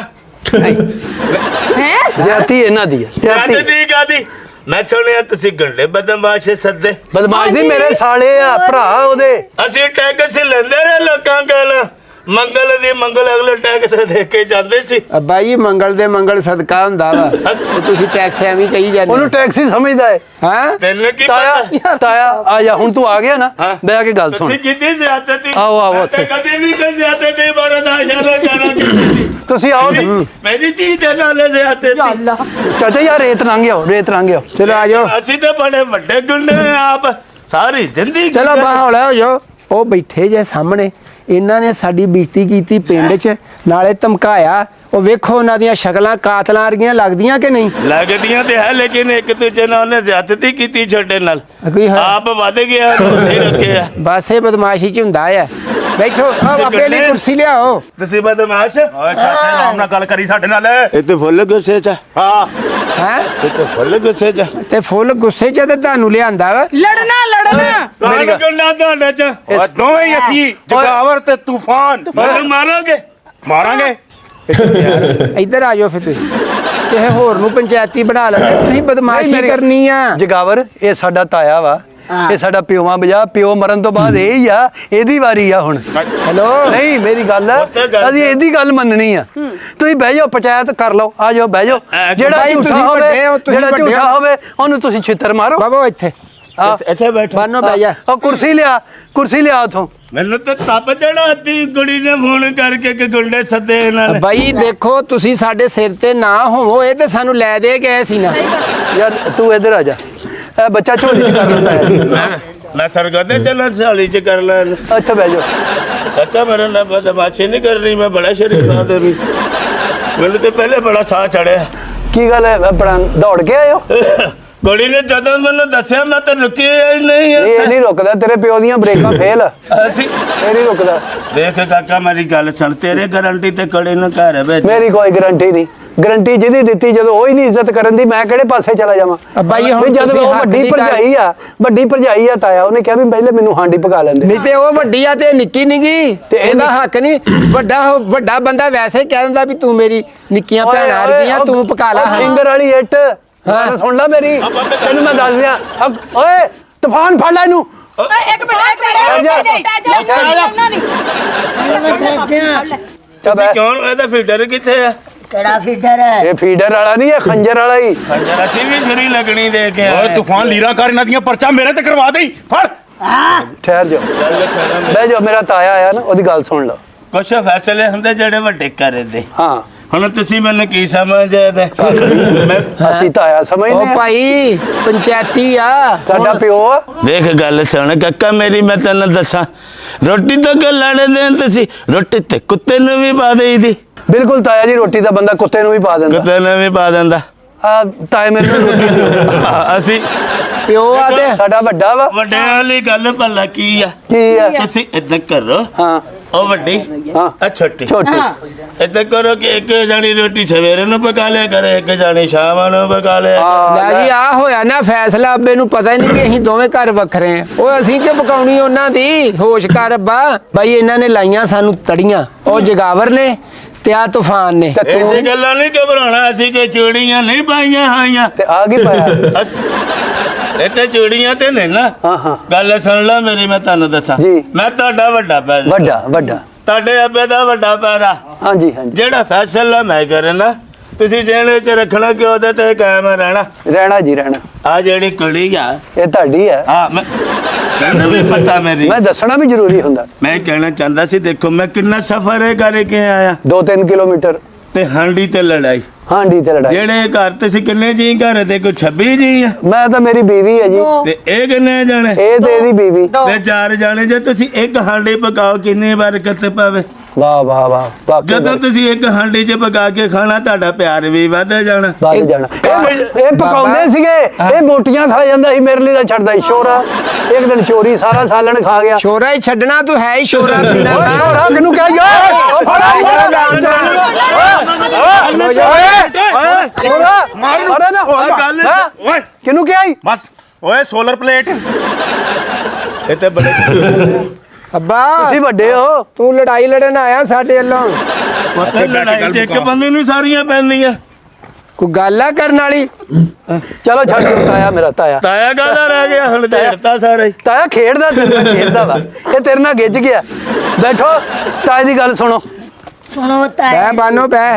ਜ਼ਿਆਦਤੀ ਇਹਨਾਂ ਦੀ ਹੈ ਜ਼ਿਆਦਤੀ ਠੀਕ ਆ ਦੀ ਮੈਂ ਸੁਣਿਆ ਤੁਸੀਂ ਗੰਡੇ ਬਦਮਾਸ਼ ਸੱਦੇ ਬਦਮਾਸ਼ ਨਹੀਂ ਮੇਰੇ ਸਾਲੇ ਆ ਭਰਾ ਉਹਦੇ ਅਸੀਂ ਟੈਕਸ ਲੈਂਦੇ ਰਹੇ ਲੋਕਾਂ ਕੋਲ ਮੰਗਲ ਦੀ ਮੰਗਲ ਅਗਲੇ ਟੈਕਸ ਦੇ ਕੇ ਜਾਂਦੇ ਸੀ ਅੱਬਾ ਜੀ ਮੰਗਲ ਦੇ ਮੰਗਲ ਸਦਕਾ ਹੁੰਦਾ ਵਾ ਤੇ ਤੁਸੀਂ ਟੈਕਸ ਐਵੇਂ ਕਹੀ ਜਾਂਦੇ ਉਹਨੂੰ ਟੈਕਸੀ ਸਮਝਦਾ ਹੈ ਹਾਂ ਤੈਨੂੰ ਕੀ ਪਤਾ ਤਾਇਆ ਆ ਜਾ ਹੁਣ ਤੂੰ ਆ ਗਿਆ ਨਾ ਹਾਂ। ਬਹਿ ਕੇ ਗੱਲ ਸੁਣ ਤੁਸੀਂ ਕਿੰਨੀ ਜ਼ਿਆਦਤੀ ਆਓ, ਆਓ ਮੈਂ ਉੱਥੇ। ਤਾਂ ਕਦੇ ਵੀ ਕੋਈ ਜ਼ਿਆਦਤੀ ਬਰਦਾਸ਼ਤ ਨਾ ਕਰਾਂਗੀ ਤੁਸੀਂ ਆਓ ਤੇ ਮੇਰੀ ਧੀ ਦੇ ਨਾਲ ਜ਼ਿਆਦਤੀ ਚਾਚਾ ਯਾਰ ਰੇਤ ਲੰਘ ਆਓ ਚਲੋ ਆ ਜਾਓ ਅਸੀਂ ਤਾਂ ਬੜੇ ਵੱਡੇ ਗੁੰਡੇ ਆ ਆਪ ਸਾਰੀ ਜ਼ਿੰਦਗੀ ਚਲੋ ਬਾਹੌਲਾ ਹੋ ਜਾਓ ਉਹ ਬੈਠੇ ਜੇ ਸਾਹਮਣੇ ਇਹਨਾਂ ਨੇ ਸਾਡੀ ਬੇਇੱਜ਼ਤੀ ਕੀਤੀ ਪਿੰਡ 'ਚ ਨਾਲੇ ਧਮਕਾਇਆ ਉਹ ਵੇਖੋ ਉਹਨਾਂ ਦੀਆਂ ਸ਼ਕਲਾਂ ਕਾਤਲਾਂ ਵਰਗੀਆਂ ਲੱਗਦੀਆਂ ਕਿ ਨਹੀਂ ਲੱਗਦੀਆਂ ਤੇ ਹੈ ਲੇਕਿਨ ਇੱਕ ਦੂਜੇ ਨਾਲ ਉਹਨੇ ਜ਼ਿਆਦਤੀ ਕੀਤੀ ਛੱਡੇ ਨਾਲ ਕੋਈ ਹੈ? ਆਪ ਵੱਧ ਗਿਆ ਉੱਥੇ ਰੱਖਿਆ ਬਸ ਇਹ ਬਦਮਾਸ਼ੀ 'ਚ ਹੁੰਦਾ ਆ ਬੈਠੋ ਆ ਆਪੇ ਲਈ ਕੁਰਸੀ ਲਿਆਓ ਤੁਸੀਂ ਬਦਮਾਸ਼ ਓਏ ਚਾਚੇ ਆਰਾਮ ਨਾਲ ਗੱਲ ਕਰੀ ਸਾਡੇ ਨਾਲ ਇੱਥੇ ਫੁੱਲ ਗੁੱਸੇ ਚ ਹਾਂ ਹੈ ਇੱਥੇ ਫੁੱਲ ਗੁੱਸੇ ਚ ਤੇ ਫੁੱਲ ਗੁੱਸੇ 'ਚ ਤੇ ਤੁਹਾਨੂੰ ਲਿਆਂਦਾ ਵਾ ਲੜਨਾ ਮੇਰੀ ਗੱਲ ਤੁਹਾਡੇ ਚ ਓਏ ਦੋਵੇਂ ਹੀ ਅਸੀਂ ਜਗਾਵਰ ਤੇ ਤੂਫਾਨ ਮੈਨੂੰ ਮਾਰਾਂਗੇ ਇੱਧਰ ਆ ਜਾਓ ਫਿਰ ਤੁਸੀਂ ਕਿਸੇ ਹੋਰ ਨੂੰ ਪੰਚਾਇਤੀ ਬਣਾ ਲੈਣਾ ਤੁਸੀਂ ਬਦਮਾਸ਼ੀ ਕਰਨੀ ਆ ਜਗਾਵਰ ਇਹ ਸਾਡਾ ਤਾਇਆ ਵਾ ਇਹ ਸਾਡਾ ਪਿਓਵਾ ਬਜਾ ਪਿਓ ਮਰਨ ਤੋਂ ਬਾਅਦ ਇਹ ਹੀ ਆ ਇਹਦੀ ਵਾਰੀ ਆ ਹੁਣ ਹੈਲੋ ਨਹੀਂ ਮੇਰੀ ਗੱਲ ਆ ਅਸੀਂ ਇਹਦੀ ਗੱਲ ਮੰਨਣੀ ਆ ਤੁਸੀਂ ਬਹਿ ਜਾਓ ਪੰਚਾਇਤ ਕਰ ਲਓ ਆ ਜਾਓ ਬਹਿ ਜਾਓ ਜਿਹੜਾ ਭਾਈ ਝੂਠਾ ਤੁਸੀਂ ਹੋਵੇ ਵੱਡੇ ਹੋ, ਤੁਸੀਂ ਜਿਹੜਾ ਵੱਡੇ ਝੂਠਾ ਹੋ। ਹੋਵੇ ਉਹਨੂੰ ਤੁਸੀਂ ਛਿੱਤਰ ਮਾਰੋ ਬਾਬਾ ਇੱਥੇ ਇੱਥੇ ਬੈਠੋ ਬਾਨੋ ਬਹਿ ਜਾ ਉਹ ਕੁਰਸੀ ਲਿਆ ਉਥੋਂ ਮੈਨੂੰ ਤਾਂ ਤਪ ਚੜਾਤੀ ਕੁੜੀ ਨੇ ਫੋਨ ਕਰਕੇ ਕਿ ਗੁੰਡੇ ਸੱਦੇ ਇਹਨਾਂ ਨੇ ਬਾਈ ਦੇਖੋ ਤੁਸੀਂ ਸਾਡੇ ਸਿਰ ਤੇ ਨਾ ਹੋਵੋ ਇਹ ਤੇ ਸਾਨੂੰ ਲੈ ਦੇ ਗਏ ਸੀ ਨਾ ਯਾਰ ਤੂੰ ਇੱਧਰ ਆ ਜਾ ਇਹ ਬੱਚਾ ਝੋਲੀ ਚ ਕਰ ਲੈਂਦਾ ਹੈ ਮੈਂ ਸਰਗਦੇ ਚੱਲਣ ਸਾਲੀ ਚ ਕਰ ਲੈਣ ਇੱਥੇ ਬਹਿ ਜਾਓ ਕਾਕਾ ਮੇਰੇ ਨਾਲ ਬਦਮਾਸ਼ੀ ਨਹੀਂ ਕਰਨੀ ਮੈਂ ਬੜਾ ਸ਼ਰੀਫ ਆਦਮੀ ਮੈਨੂੰ ਤੇ ਪਹਿਲੇ ਬੜਾ ਸਾਹ ਚੜਿਆ ਕੀ ਗੱਲ ਹੈ ਆਪਣਾ ਦੌੜ ਕੇ ਆਇਓ ਗੋਲੀ ਨੇ ਜਦੋਂ ਮੈਨੂੰ ਦੱਸਿਆ ਮੈਂ ਤਾਂ ਰੁਕਿਆ ਹੀ ਨਹੀਂ ਇਹ ਨਹੀਂ ਰੁਕਦਾ ਤੇਰੇ ਪਿਓ ਦੀਆਂ ਬ੍ਰੇਕਾਂ ਫੇਲ ਅਸੀਂ ਇਹ ਨਹੀਂ ਰੁਕਦਾ ਦੇਖ ਕਾਕਾ ਮੇਰੀ ਗੱਲ ਸੁਣ ਤੇਰੇ ਗਾਰੰਟੀ ਤੇ ਕੜੇ ਨੂੰ ਘਰ ਵਿੱਚ ਮੇਰੀ ਕੋਈ ਗਾਰੰਟੀ ਨਹੀਂ ਗਾਰੰਟੀ ਜਿਹਦੀ ਦਿੱਤੀ ਜਦੋਂ ਉਹ ਹੀ ਨਹੀਂ ਇੱਜ਼ਤ ਕਰਨ ਦੀ ਮੈਂ ਕਿਹੜੇ ਪਾਸੇ ਚਲਾ ਜਾਵਾਂ ਅੱਬਾ ਜੀ ਹੁਣ ਵੀ ਜਦੋਂ ਤੁਸੀਂ ਉਹ ਹੱਥ ਵੱਡੀ ਦੀ ਗੱਲ- ਭਰਜਾਈ ਆ ਤਾਇਆ ਉਹਨੇ ਕਿਹਾ ਵੀ ਪਹਿਲੇ ਮੈਨੂੰ ਹਾਂਡੀ ਪਕਾ ਲੈਂਦੇ ਨਹੀਂ ਤੇ ਉਹ ਵੱਡੀ ਆ ਤੇ ਨਿੱਕੀ ਨਿੱਗੀ ਤੇ ਇਹ ਇਹਦਾ ਹੱਕ ਨਹੀਂ ਵੱਡਾ ਬੰਦਾ ਵੈਸੇ ਹੀ ਕਹਿ ਦਿੰਦਾ ਵੀ ਤੂੰ ਮੇਰੀ ਨਿੱਕੀਆਂ ਭੈਣਾਂ ਰਹੀਆਂ ਤੂੰ ਪਕਾ ਲੈ ਫਿੰਗਰ ਵਾਲੀ ਇੱਟ ਹਾਂ ਸੁਣ ਲੈ ਮੇਰੀ ਤੈਨੂੰ ਮੈਂ ਦੱਸ ਦਿਆਂ ਓਏ ਤੂਫਾਨ ਫੜ ਲੈ ਇਹਨੂੰ ਇੱਕ ਮਿੰਟ ਕਿਉਂ ਇਹਦਾ ਫੀਡਰ ਕਿੱਥੇ ਆ ਕਿਹੜਾ ਫੀਡਰ ਹੈ ਇਹ ਫੀਡਰ ਵਾਲਾ ਨਹੀਂ ਇਹ ਖੰਜਰ ਵਾਲਾ ਹੀ ਖੰਜਰ ਅਸੀਂ ਵੀ ਛੁਰੀ ਲੱਗਣੀ ਦੇ ਕੇ ਓਏ ਤੂਫਾਨ ਲੀਰਾ ਕਰ ਇਹਨਾਂ ਦੀਆਂ ਪਰਚਾ ਮੇਰੇ ਤੇ ਕਰਵਾ ਦੇਈ ਫੜ ਠਹਿਰ ਜਾਓ ਬਹਿ ਜਾਓ ਮੇਰਾ ਤਾਇਆ ਆਇਆ ਨਾ ਉਹਦੀ ਗੱਲ ਸੁਣ ਲਓ ਕੁਛ ਫੈਸਲੇ ਹੁੰਦੇ ਜਿਹੜੇ ਵੱਡੇ ਕਰਦੇ ਹਾਂ ਹੁਣ ਤੁਸੀਂ ਮੈਨੂੰ ਕੀ ਸਮਝਦੇ ਮੈਂ ਅਸੀਂ ਤਾਂ ਆਇਆ ਸਮਝਦੇ ਉਹ ਆ ਭਾਈ ਪੰਚਾਇਤੀ ਆ ਸਾਡਾ ਪਿਓ ਆ। ਦੇਖ ਗੱਲ ਸੁਣ ਕੱਕਾ ਮੇਰੀ, ਮੈਂ ਤੈਨੂੰ ਦੱਸਾਂ ਰੋਟੀ ਤਾਂ ਕਿ ਲੈਣੇ ਦੇਣ ਤੁਸੀਂ ਰੋਟੀ ਤੇ ਕੁੱਤੇ ਨੂੰ ਵੀ ਪਾ ਦੇਈਦੀ, ਬਿਲਕੁਲ ਤਾਇਆ ਜੀ, ਰੋਟੀ ਦਾ ਬੰਦਾ ਕੁੱਤੇ ਨੂੰ ਵੀ ਪਾ ਦਿੰਦਾ। ਕੁੱਤੇ ਨੂੰ ਵੀ ਪਾ ਦਿੰਦਾ। ਆ ਤਾਏ ਮੈਨੂੰ ਰੋਟੀ ਦਿਓ। ਅਸੀਂ ਪਿਓ ਆ ਤੇ ਸਾਡਾ ਵੱਡਾ ਵਾ। ਵੱਡਿਆਂ ਵਾਲੀ ਗੱਲ ਭਲਾ ਕੀ ਆ? ਕੀ ਆ? ਤੁਸੀਂ ਏਦਾਂ ਕਰੋ, ਹਾਂ ਉਹ ਵੱਡੀ ਹਾਂ ਆ ਛੋਟੀ ਛੋਟੀ ਏਦਾਂ ਕਰੋ ਕਿ ਇੱਕ ਜਾਣੀ ਰੋਟੀ ਸਵੇਰੇ ਨੂੰ ਪਕਾ ਲਿਆ ਕਰੇ, ਇੱਕ ਜਾਣੀ ਸ਼ਾਮ ਨੂੰ ਪਕਾ ਲਿਆ ਲੈ ਜੀ ਆ ਹੋਇਆ ਨਾ ਫੈਸਲਾ। ਅੱਬੇ ਨੂੰ ਪਤਾ ਹੀ ਨਹੀਂ ਕਿ ਅਸੀਂ ਦੋਵੇਂ ਘਰ ਵੱਖਰੇ ਆ। ਉਹ ਅਸੀਂ ਕਿ ਪਕਾਉਣੀ ਉਹਨਾਂ ਦੀ। ਹੋਸ਼ ਕਰ ਅੱਬਾ। ਬਾਈ ਇਹਨਾਂ ਨੇ ਲਾਈਆਂ ਸਾਨੂੰ ਤੜੀਆਂ, ਉਹ ਜਗਾਵਰ ਨੇ ਤੇ ਆ ਤੂਫਾਨ ਨੇ। ਐਸੀ ਗੱਲਾਂ ਨਹੀਂ ਘਬਰਾਉਣਾ, ਅਸੀਂ ਕੋਈ ਚੂੜੀਆਂ ਨਹੀਂ ਪਾਈਆਂ ਹੋਈਆਂ। ਤੇ ਆ ਕੀ ਪਾਇਆ? ਇਹ ਤੇ ਚੂੜੀਆਂ ਤੇ ਨੇ ਨਾ। ਹਾਂ ਹਾਂ ਗੱਲ ਸੁਣ ਲਓ ਮੇਰੀ, ਮੈਂ ਤੁਹਾਨੂੰ ਦੱਸਾਂ। ਜੀ। ਮੈਂ ਤੁਹਾਡਾ ਵੱਡਾ ਭੈਣ, ਵੱਡਾ ਵੱਡਾ ਤੁਹਾਡੇ ਅੱਬੇ ਦਾ ਵੱਡਾ ਭੈਣਾ। ਹਾਂਜੀ ਹਾਂਜੀ ਜਿਹੜਾ ਫੈਸਲਾ ਮੈਂ ਕਰਨਾ, ਤੁਸੀਂ ਜਿਹਨੇ ਚ ਰੱਖਣਾ ਕਿ ਉਹਦੇ ਤੇ ਕਾਇਮ ਰਹਿਣਾ। ਰਹਿਣਾ ਜੀ ਰਹਿਣਾ। ਆ ਜਿਹੜੀ ਕੁੜੀ ਆ, ਇਹ ਤੁਹਾਡੀ ਹੈ। ਹਾਂ ਮੈਂ ਤੈਨੂੰ ਵੀ ਪਤਾ ਮੇਰੀ। ਮੈਂ ਦੱਸਣਾ ਵੀ ਜ਼ਰੂਰੀ ਹੁੰਦਾ। ਮੈਂ ਕਹਿਣਾ ਚਾਹੁੰਦਾ ਸੀ, ਦੇਖੋ ਮੈਂ ਕਿੰਨਾ ਸਫ਼ਰ ਕਰਕੇ ਆਇਆ 2-3 ਕਿਲੋਮੀਟਰ। ਤੇ ਹਾਂਡੀ ਤੇ ਲੜਾਈ। ਹਾਂਡੀ ਤੇ ਲੜਾਈ। ਜਿਹੜੇ ਘਰ ਤੇ ਸੀ ਕਿੰਨੇ ਜੀ ਘਰ ਤੇ ਕੋਈ 26 ਜੀ ਆ, ਮੈਂ ਤਾਂ ਮੇਰੀ ਬੀਵੀ ਹੈ ਜੀ। ਤੇ ਇਹ ਕਿੰਨੇ ਜਾਣੇ? ਇਹ ਤੇ ਇਹਦੀ ਬੀਵੀ। ਤੇ 4 ਜਾਣੇ। ਜੇ ਤੁਸੀਂ ਇੱਕ ਹਾਂਡੀ ਪਕਾਓ ਕਿੰਨੀ ਬਰਕਤ ਪਵੇ। ਵਾਹ ਵਾਹ ਵਾਹ ਵਾਕਈ ਜਦੋਂ ਤੁਸੀਂ ਇੱਕ ਹਾਂਡੀ 'ਚ ਪਕਾ ਕੇ ਖਾਣਾ, ਤੁਹਾਡਾ ਪਿਆਰ ਵੀ ਵੱਧ ਜਾਣਾ। ਵੱਧ ਜਾਣਾ। ਇਹ ਪਕਾਉਂਦੇ ਸੀਗੇ, ਇਹ ਬੋਟੀਆਂ ਖਾ ਜਾਂਦਾ ਸੀ, ਮੇਰੇ ਲਈ ਨਾ ਛੱਡਦਾ ਸੀ ਸ਼ੋਰਾ। ਇੱਕ ਦਿਨ ਚੋਰੀ ਸਾਰਾ ਸਾਲਣ ਖਾ ਗਿਆ। ਸ਼ੋਰਾ ਹੀ ਛੱਡਣਾ, ਤੂੰ ਹੈ ਹੀ ਸ਼ੋਰਾ ਪੀਣਾ ਓਏ ਸ਼ੋਰਾ ਕਿਹਨੂੰ ਕਹਿ ਯਾਰ? ਮਾਰੇ ਨਾ। ਗੱਲ ਹੈਂ? ਓਏ ਕਿਹਨੂੰ ਕਿਹਾ ਈ? ਬਸ ਓਏ ਸੋਲਰ ਪਲੇਟ ਇਹ ਤੇ ਬੜੇ ਅੱਬਾ ਤੁਸੀਂ ਵੱਡੇ ਹੋ। ਤੂੰ ਲੜਾਈ ਲੜਨ ਆਇਆ ਸਾਡੇ ਵੱਲੋਂ। ਲੜਾਈ 'ਚ ਇੱਕ ਬੰਦੇ ਨੂੰ ਸਾਰੀਆਂ ਪੈਂਦੀਆਂ। ਕੋਈ ਗੱਲ ਆ ਕਰਨ ਵਾਲੀ? ਚਲੋ ਛੱਡ ਦਿਓ ਤਾਇਆ, ਮੇਰਾ ਤਾਇਆ। ਤਾਇਆ ਕਾਹਦਾ ਰਹਿ ਗਿਆ ਹੁਣ, ਢੇੜਤਾ ਸਾਰਾ ਹੀ। ਤਾਇਆ ਖੇਡਦਾ ਤੇਰੇ ਨਾਲ ਖੇਡਦਾ ਵਾ। ਇਹ ਤੇਰੇ ਨਾਲ ਗਿੱਜ ਗਿਆ। ਬੈਠੋ, ਤਾਏ ਦੀ ਗੱਲ ਸੁਣੋ। सुनो ताया ਬਹਿ ਬਾਨੋ ਬਹਿ।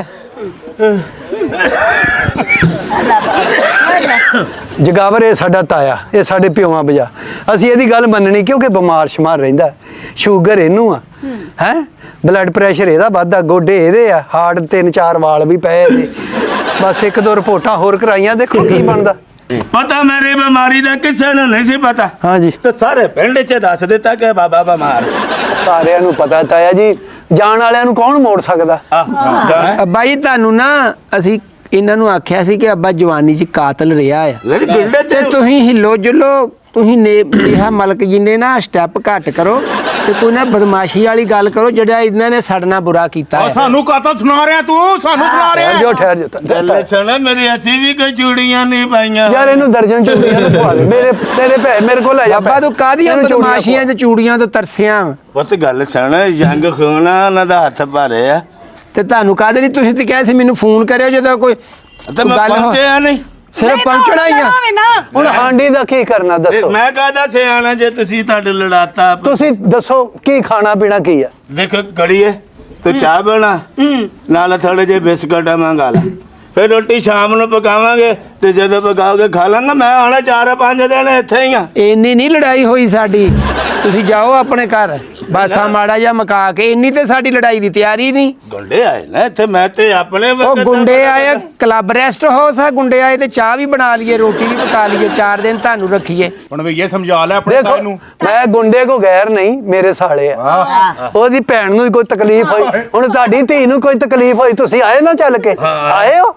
ਜਗਾਵਰ ਇਹ ਸਾਡਾ ਤਾਇਆ, ਇਹ ਸਾਡੇ ਪਿਓਾਂ ਬਜਾ। ਅਸੀਂ ਇਹਦੀ ਗੱਲ ਮੰਨਣੀ ਕਿਉਂਕਿ ਬਿਮਾਰ ਸ਼ਮਾਰ ਰਹਿੰਦਾ। ਸ਼ੂਗਰ ਇਹਨੂੰ ਆ, ਹੈ ਬਲੱਡ ਪ੍ਰੈਸ਼ਰ ਇਹਦਾ ਵੱਧਦਾ, ਗੋਡੇ ਇਹਦੇ ਆ, ਹਾਰਟ 3-4 ਵਾਲ ਵੀ ਪਏ ਇਹਦੇ। ਬਸ 1-2 ਰਿਪੋਰਟਾਂ ਹੋਰ ਕਰਾਈਆਂ, ਦੇਖੋ ਕੀ ਬਣਦਾ। ਪਤਾ ਮੇਰੀ ਬਿਮਾਰੀ ਦਾ ਕਿਸੇ ਨੂੰ ਨਹੀਂ ਸੀ ਪਤਾ। ਹਾਂਜੀ ਤੇ ਸਾਰੇ ਪਿੰਡ 'ਚ ਦੱਸ ਦਿੱਤਾ ਕਿ ਬਾਬਾ ਬਿਮਾਰ। ਸਾਰਿਆਂ ਨੂੰ ਪਤਾ ਤਾਇਆ ਜੀ, ਜਾਣ ਵਾਲਿਆਂ ਨੂੰ ਕੌਣ ਮੋੜ ਸਕਦਾ। ਅੱਬਾ ਜੀ ਤੁਹਾਨੂੰ ਨਾ ਅਸੀਂ ਇਹਨਾਂ ਨੂੰ ਆਖਿਆ ਸੀ ਕਿ ਅੱਬਾ ਜਵਾਨੀ 'ਚ ਕਾਤਲ ਰਿਹਾ ਆ, ਤੇ ਤੁਸੀਂ ਹਿੱਲੋ ਜੁਲੋ, ਤੁਸੀਂ ਨੇਹਾ ਮਲਕ ਜੀ ਨੇ ਨਾ ਸਟੈਪ ਘੱਟ ਕਰੋ ਤੇ ਕੋਈ ਨਾ ਬਦਮਾਸ਼ੀ ਵਾਲੀ ਗੱਲ ਕਰੋ ਜਿਹੜਾ ਇਹਨਾਂ ਨੇ ਸਾਡੇ ਨਾਲ ਬੁਰਾ ਕੀਤਾ ਹੈ। ਸਾਨੂੰ ਕਾਤਲ ਸੁਣਾ ਰਿਹਾ ਤੂੰ, ਸਾਨੂੰ ਸੁਣਾ ਠਹਿਰ ਜਾਓ, ਠਹਿਰ ਜਾਓ। ਸੁਣ ਮੇਰੀ, ਅਸੀਂ ਵੀ ਕੋਈ ਚੂੜੀਆਂ ਨਹੀਂ ਪਾਈਆਂ। ਯਾਰ ਇਹਨੂੰ ਦਰਜਨ ਚੂੜੀਆਂ ਤੋਂ ਪਵਾ ਦੇ। ਮੇਰੇ ਕੋਲ ਲੈ ਜਾ। ਅੱਬਾ ਤੂੰ ਕਾਹਦੀਆਂ ਇਹਨੂੰ ਚੂੜੀਆਂ ਬਦਮਾਸ਼ੀਆਂ ਤੇ ਚੂੜੀਆਂ ਤੋਂ ਤਰਸਿਆ ਵਾਂ? ਪੁੱਤ ਗੱਲ ਸੁਣ, ਜੰਗ ਖੂਨਾ ਉਹਨਾਂ ਦਾ ਹੱਥ ਭਰੇ ਆ। ਤੇ ਤੁਹਾਨੂੰ ਕਾਹਦੇ ਲਈ? ਤੁਸੀਂ ਤੇ ਕਿਹਾ ਸੀ ਮੈਨੂੰ ਫੋਨ ਕਰਿਓ ਜਦੋਂ ਕੋਈ ਤੇ ਮੈਂ ਗੱਲ ਹੋ- ਪਹੁੰਚਿਆ ਨਹੀਂ। ਸਿਰਫ ਪਹੁੰਚਣਾ ਹੀ ਆ। ਹੁਣ ਹਾਂਡੀ ਦਾ ਕੀ ਕਰਨਾ ਦੱਸੋ? ਮੈਂ ਕਹਦਾ ਸਿਆਣਾ ਜੇ ਤੁਸੀਂ ਤੁਹਾਡੇ ਲੜਾਤਾ। ਤੁਸੀਂ ਦੱਸੋ ਕੀ ਖਾਣਾ ਪੀਣਾ ਕੀ ਆ? ਦੇਖੋ ਕੜੀਏ ਤੂੰ ਚਾਹ ਬਣਾ, ਨਾਲ ਥੋੜੇ ਜਿਹੇ ਬਿਸਕਟ ਮੰਗਾ ਲੈ, ਫਿਰ ਰੋਟੀ ਸ਼ਾਮ ਨੂੰ ਪਕਾਵਾਂਗੇ ਤੇ ਜਦੋਂ ਪਕਾਓਗੇ ਖਾ ਲਾਂਗਾ। ਮੈਂ ਆਣਾ 4-5 ਦਿਨ ਇੱਥੇ ਹੀ ਆ। ਇੰਨੀ ਨਹੀਂ ਲੜਾਈ ਹੋਈ ਸਾਡੀ। ਤੁਸੀਂ ਜਾਓ ਆਪਣੇ ਘਰ, ਬਸ ਆ ਮਾੜਾ ਜਿਹਾ ਮਕਾ ਕੇ। ਇੰਨੀ ਤੇ ਸਾਡੀ ਲੜਾਈ ਦੀ ਤਿਆਰੀ ਨਹੀਂ। ਗੁੰਡੇ ਆਏ ਨਾ ਇੱਥੇ, ਮੈਂ ਤੇ ਆਪਣੇ ਉਹ ਵਕਤ ਗੁੰਡੇ ਆਏ, ਕਲੱਬ ਰੈਸਟ ਹਾਊਸ ਆ, ਗੁੰਡੇ ਆਏ ਤੇ ਚਾਹ ਵੀ ਬਣਾ ਲਈਏ, ਰੋਟੀ ਵੀ ਪਕਾ ਲਈਏ, 4 ਦਿਨ ਤੁਹਾਨੂੰ ਰੱਖੀਏ। ਹੁਣ ਵੀ ਇਹ ਸਮਝਾ ਲੈ ਆਪਣੇ ਦੇਖੋ ਮੈਂ ਗੁੰਡੇ ਕੋ ਗੈਰ ਨਹੀਂ, ਮੇਰੇ ਸਾਲੇ ਆ। ਉਹਦੀ ਭੈਣ ਨੂੰ ਕੋਈ ਤਕਲੀਫ ਹੋਈ, ਹੁਣ ਤੁਹਾਡੀ ਧੀ ਨੂੰ ਕੋਈ ਤਕਲੀਫ ਹੋਈ, ਤੁਸੀਂ ਆਏ ਨਾ ਚੱਲ ਕੇ? ਆਏ ਹੋ?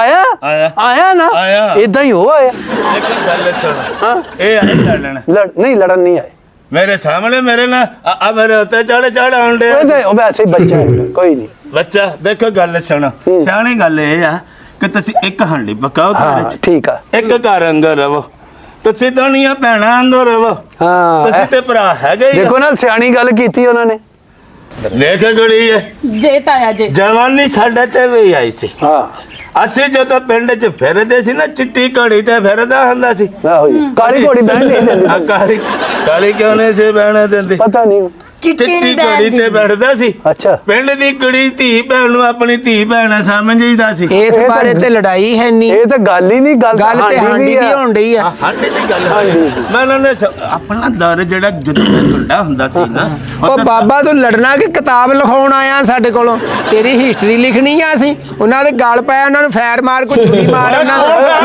ਆਇਆ ਨਾ? ਇਦਾਂ ਹੀ ਹੋ ਆਇਆ। ਇੱਕ ਗੱਲ ਸੁਣ, ਹਾਂ ਇਹ ਆਏ ਲੜਨ, ਨਹੀਂ ਲੜਨ ਨਹੀਂ ਆਏ। ਮੇਰੇ ਸਾਹਮਣੇ ਮੇਰੇ ਨਾਲ ਆ ਮੇਰੇ ਉੱਤੇ ਚੜ ਆਉਂਦੇ ਉਹ ਵੈਸੇ ਹੀ ਬੱਚਾ ਹੈ, ਕੋਈ ਨਹੀਂ। ਬੱਚਾ। ਦੇਖੋ ਗੱਲ ਸੁਣ, ਸਿਆਣੀ ਗੱਲ ਇਹ ਆ ਕਿ ਤੁਸੀਂ ਇੱਕ ਹਾਂਡੀ ਪਕਾਓ ਘਰ ਹਾਂ 'ਚ, ਠੀਕ ਆ। ਇੱਕ ਘਰ ਅੰਦਰ ਰਵੋ, ਤੁਸੀਂ ਦੋਨੀਆਂ ਭੈਣਾਂ ਅੰਦਰ ਰਵੋ। ਹਾਂ ਤੁਸੀਂ ਤੇ ਭਰਾ ਹੈਗੇ ਹੀ ਆ। ਦੇਖੋ ਨਾ ਸਿਆਣੀ ਗੱਲ ਕੀਤੀ ਉਹਨਾਂ ਨੇ। ਦੇਖ ਗੜੀ ਹੈ ਜੇ ਤਾਇਆ ਜੇ ਜਵਾਨੀ ਸਾਡੇ ਤੇ ਵੀ ਆਈ ਸੀ। ਹਾਂ ਅਸੀਂ ਜਦੋਂ ਪਿੰਡ 'ਚ ਫਿਰਦੇ ਸੀ ਨਾ, ਚਿੱਟੀ ਘੜੀ ਤੇ ਫਿਰਦਾ ਹੁੰਦਾ ਸੀ। ਆਹੋ ਜੀ, ਕਾਲੀ ਘੋੜੀ ਬਹਿਣ ਨਹੀਂ ਦਿੰਦੀ। ਕਾਲੀ ਕਿਉਂ ਨਹੀਂ ਸੀ ਬਹਿਣ ਦਿੰਦੀ? ਪਤਾ ਨਹੀਂ। ਚਿੱਟੀ ਚਿੱਟੀ ਨਹੀਂ ਘੜੀ ਤੇ ਬੈਠਦਾ ਸੀ ਅੱਛਾ ਪਿੰਡ ਦੀ ਕੁੜੀ ਧੀ ਭੈਣ ਨੂੰ ਆਪਣੀ ਧੀ ਭੈਣ ਸਮਝੀਦਾ ਸੀ ਇਸ ਬਾਰੇ ਤੇ ਲੜਾਈ ਹੈ ਨਹੀਂ, ਇਹ ਤਾਂ ਗੱਲ ਹੀ ਨਹੀਂ, ਗੱਲ ਗੱਲ ਤੇ ਹਾਂਡੀ ਦੀ ਹੋਣ ਡਈ ਆ। ਹਾਂਡੀ ਦੀ ਗੱਲ ਮੈਂ ਉਹਨਾਂ ਨੇ ਆਪਣਾ ਦਰ ਜਿਹੜਾ ਜਦੋਂ ਢੁੱਡਾ ਹੁੰਦਾ ਸੀ ਨਾ ਉਹ ਬਾਬਾ ਤੂੰ ਲੜਨਾ ਕਿ ਕਿਤਾਬ ਲਿਖਾਉਣ ਆਇਆ ਸਾਡੇ ਕੋਲੋਂ? ਤੇਰੀ ਹਿਸਟਰੀ ਲਿਖਣੀ ਆ ਅਸੀਂ? ਉਹਨਾਂ ਦੇ ਗਲ ਪਾਇਆ, ਉਹਨਾਂ ਨੂੰ ਫੈਰ ਮਾਰ, ਕੋਈ ਛੁਰੀ ਮਾਰ ਉਹਨਾਂ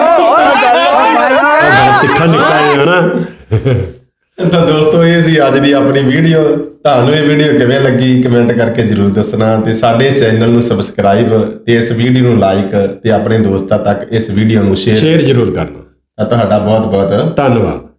ਤਿੱਖਾ ਨਿਕਲਿਆ ਹੈ ਨਾ। ਤਾਂ ਦੋਸਤੋ ਇਹ ਸੀ ਅੱਜ ਦੀ ਆਪਣੀ ਵੀਡੀਓ। ਤੁਹਾਨੂੰ ਇਹ ਵੀਡੀਓ ਕਿਵੇਂ ਲੱਗੀ ਕਮੈਂਟ ਕਰਕੇ ਜਰੂਰ ਦੱਸਣਾ ਤੇ ਸਾਡੇ ਚੈਨਲ ਨੂੰ ਸਬਸਕ੍ਰਾਈਬ ਤੇ ਇਸ ਵੀਡੀਓ ਨੂੰ ਲਾਈਕ ਤੇ ਆਪਣੇ ਦੋਸਤਾਂ ਤੱਕ ਇਸ ਵੀਡੀਓ ਨੂੰ ਸ਼ੇਅਰ ਸ਼ੇਅਰ ਜ਼ਰੂਰ ਕਰਨਾ। ਤੁਹਾਡਾ ਬਹੁਤ ਬਹੁਤ ਧੰਨਵਾਦ।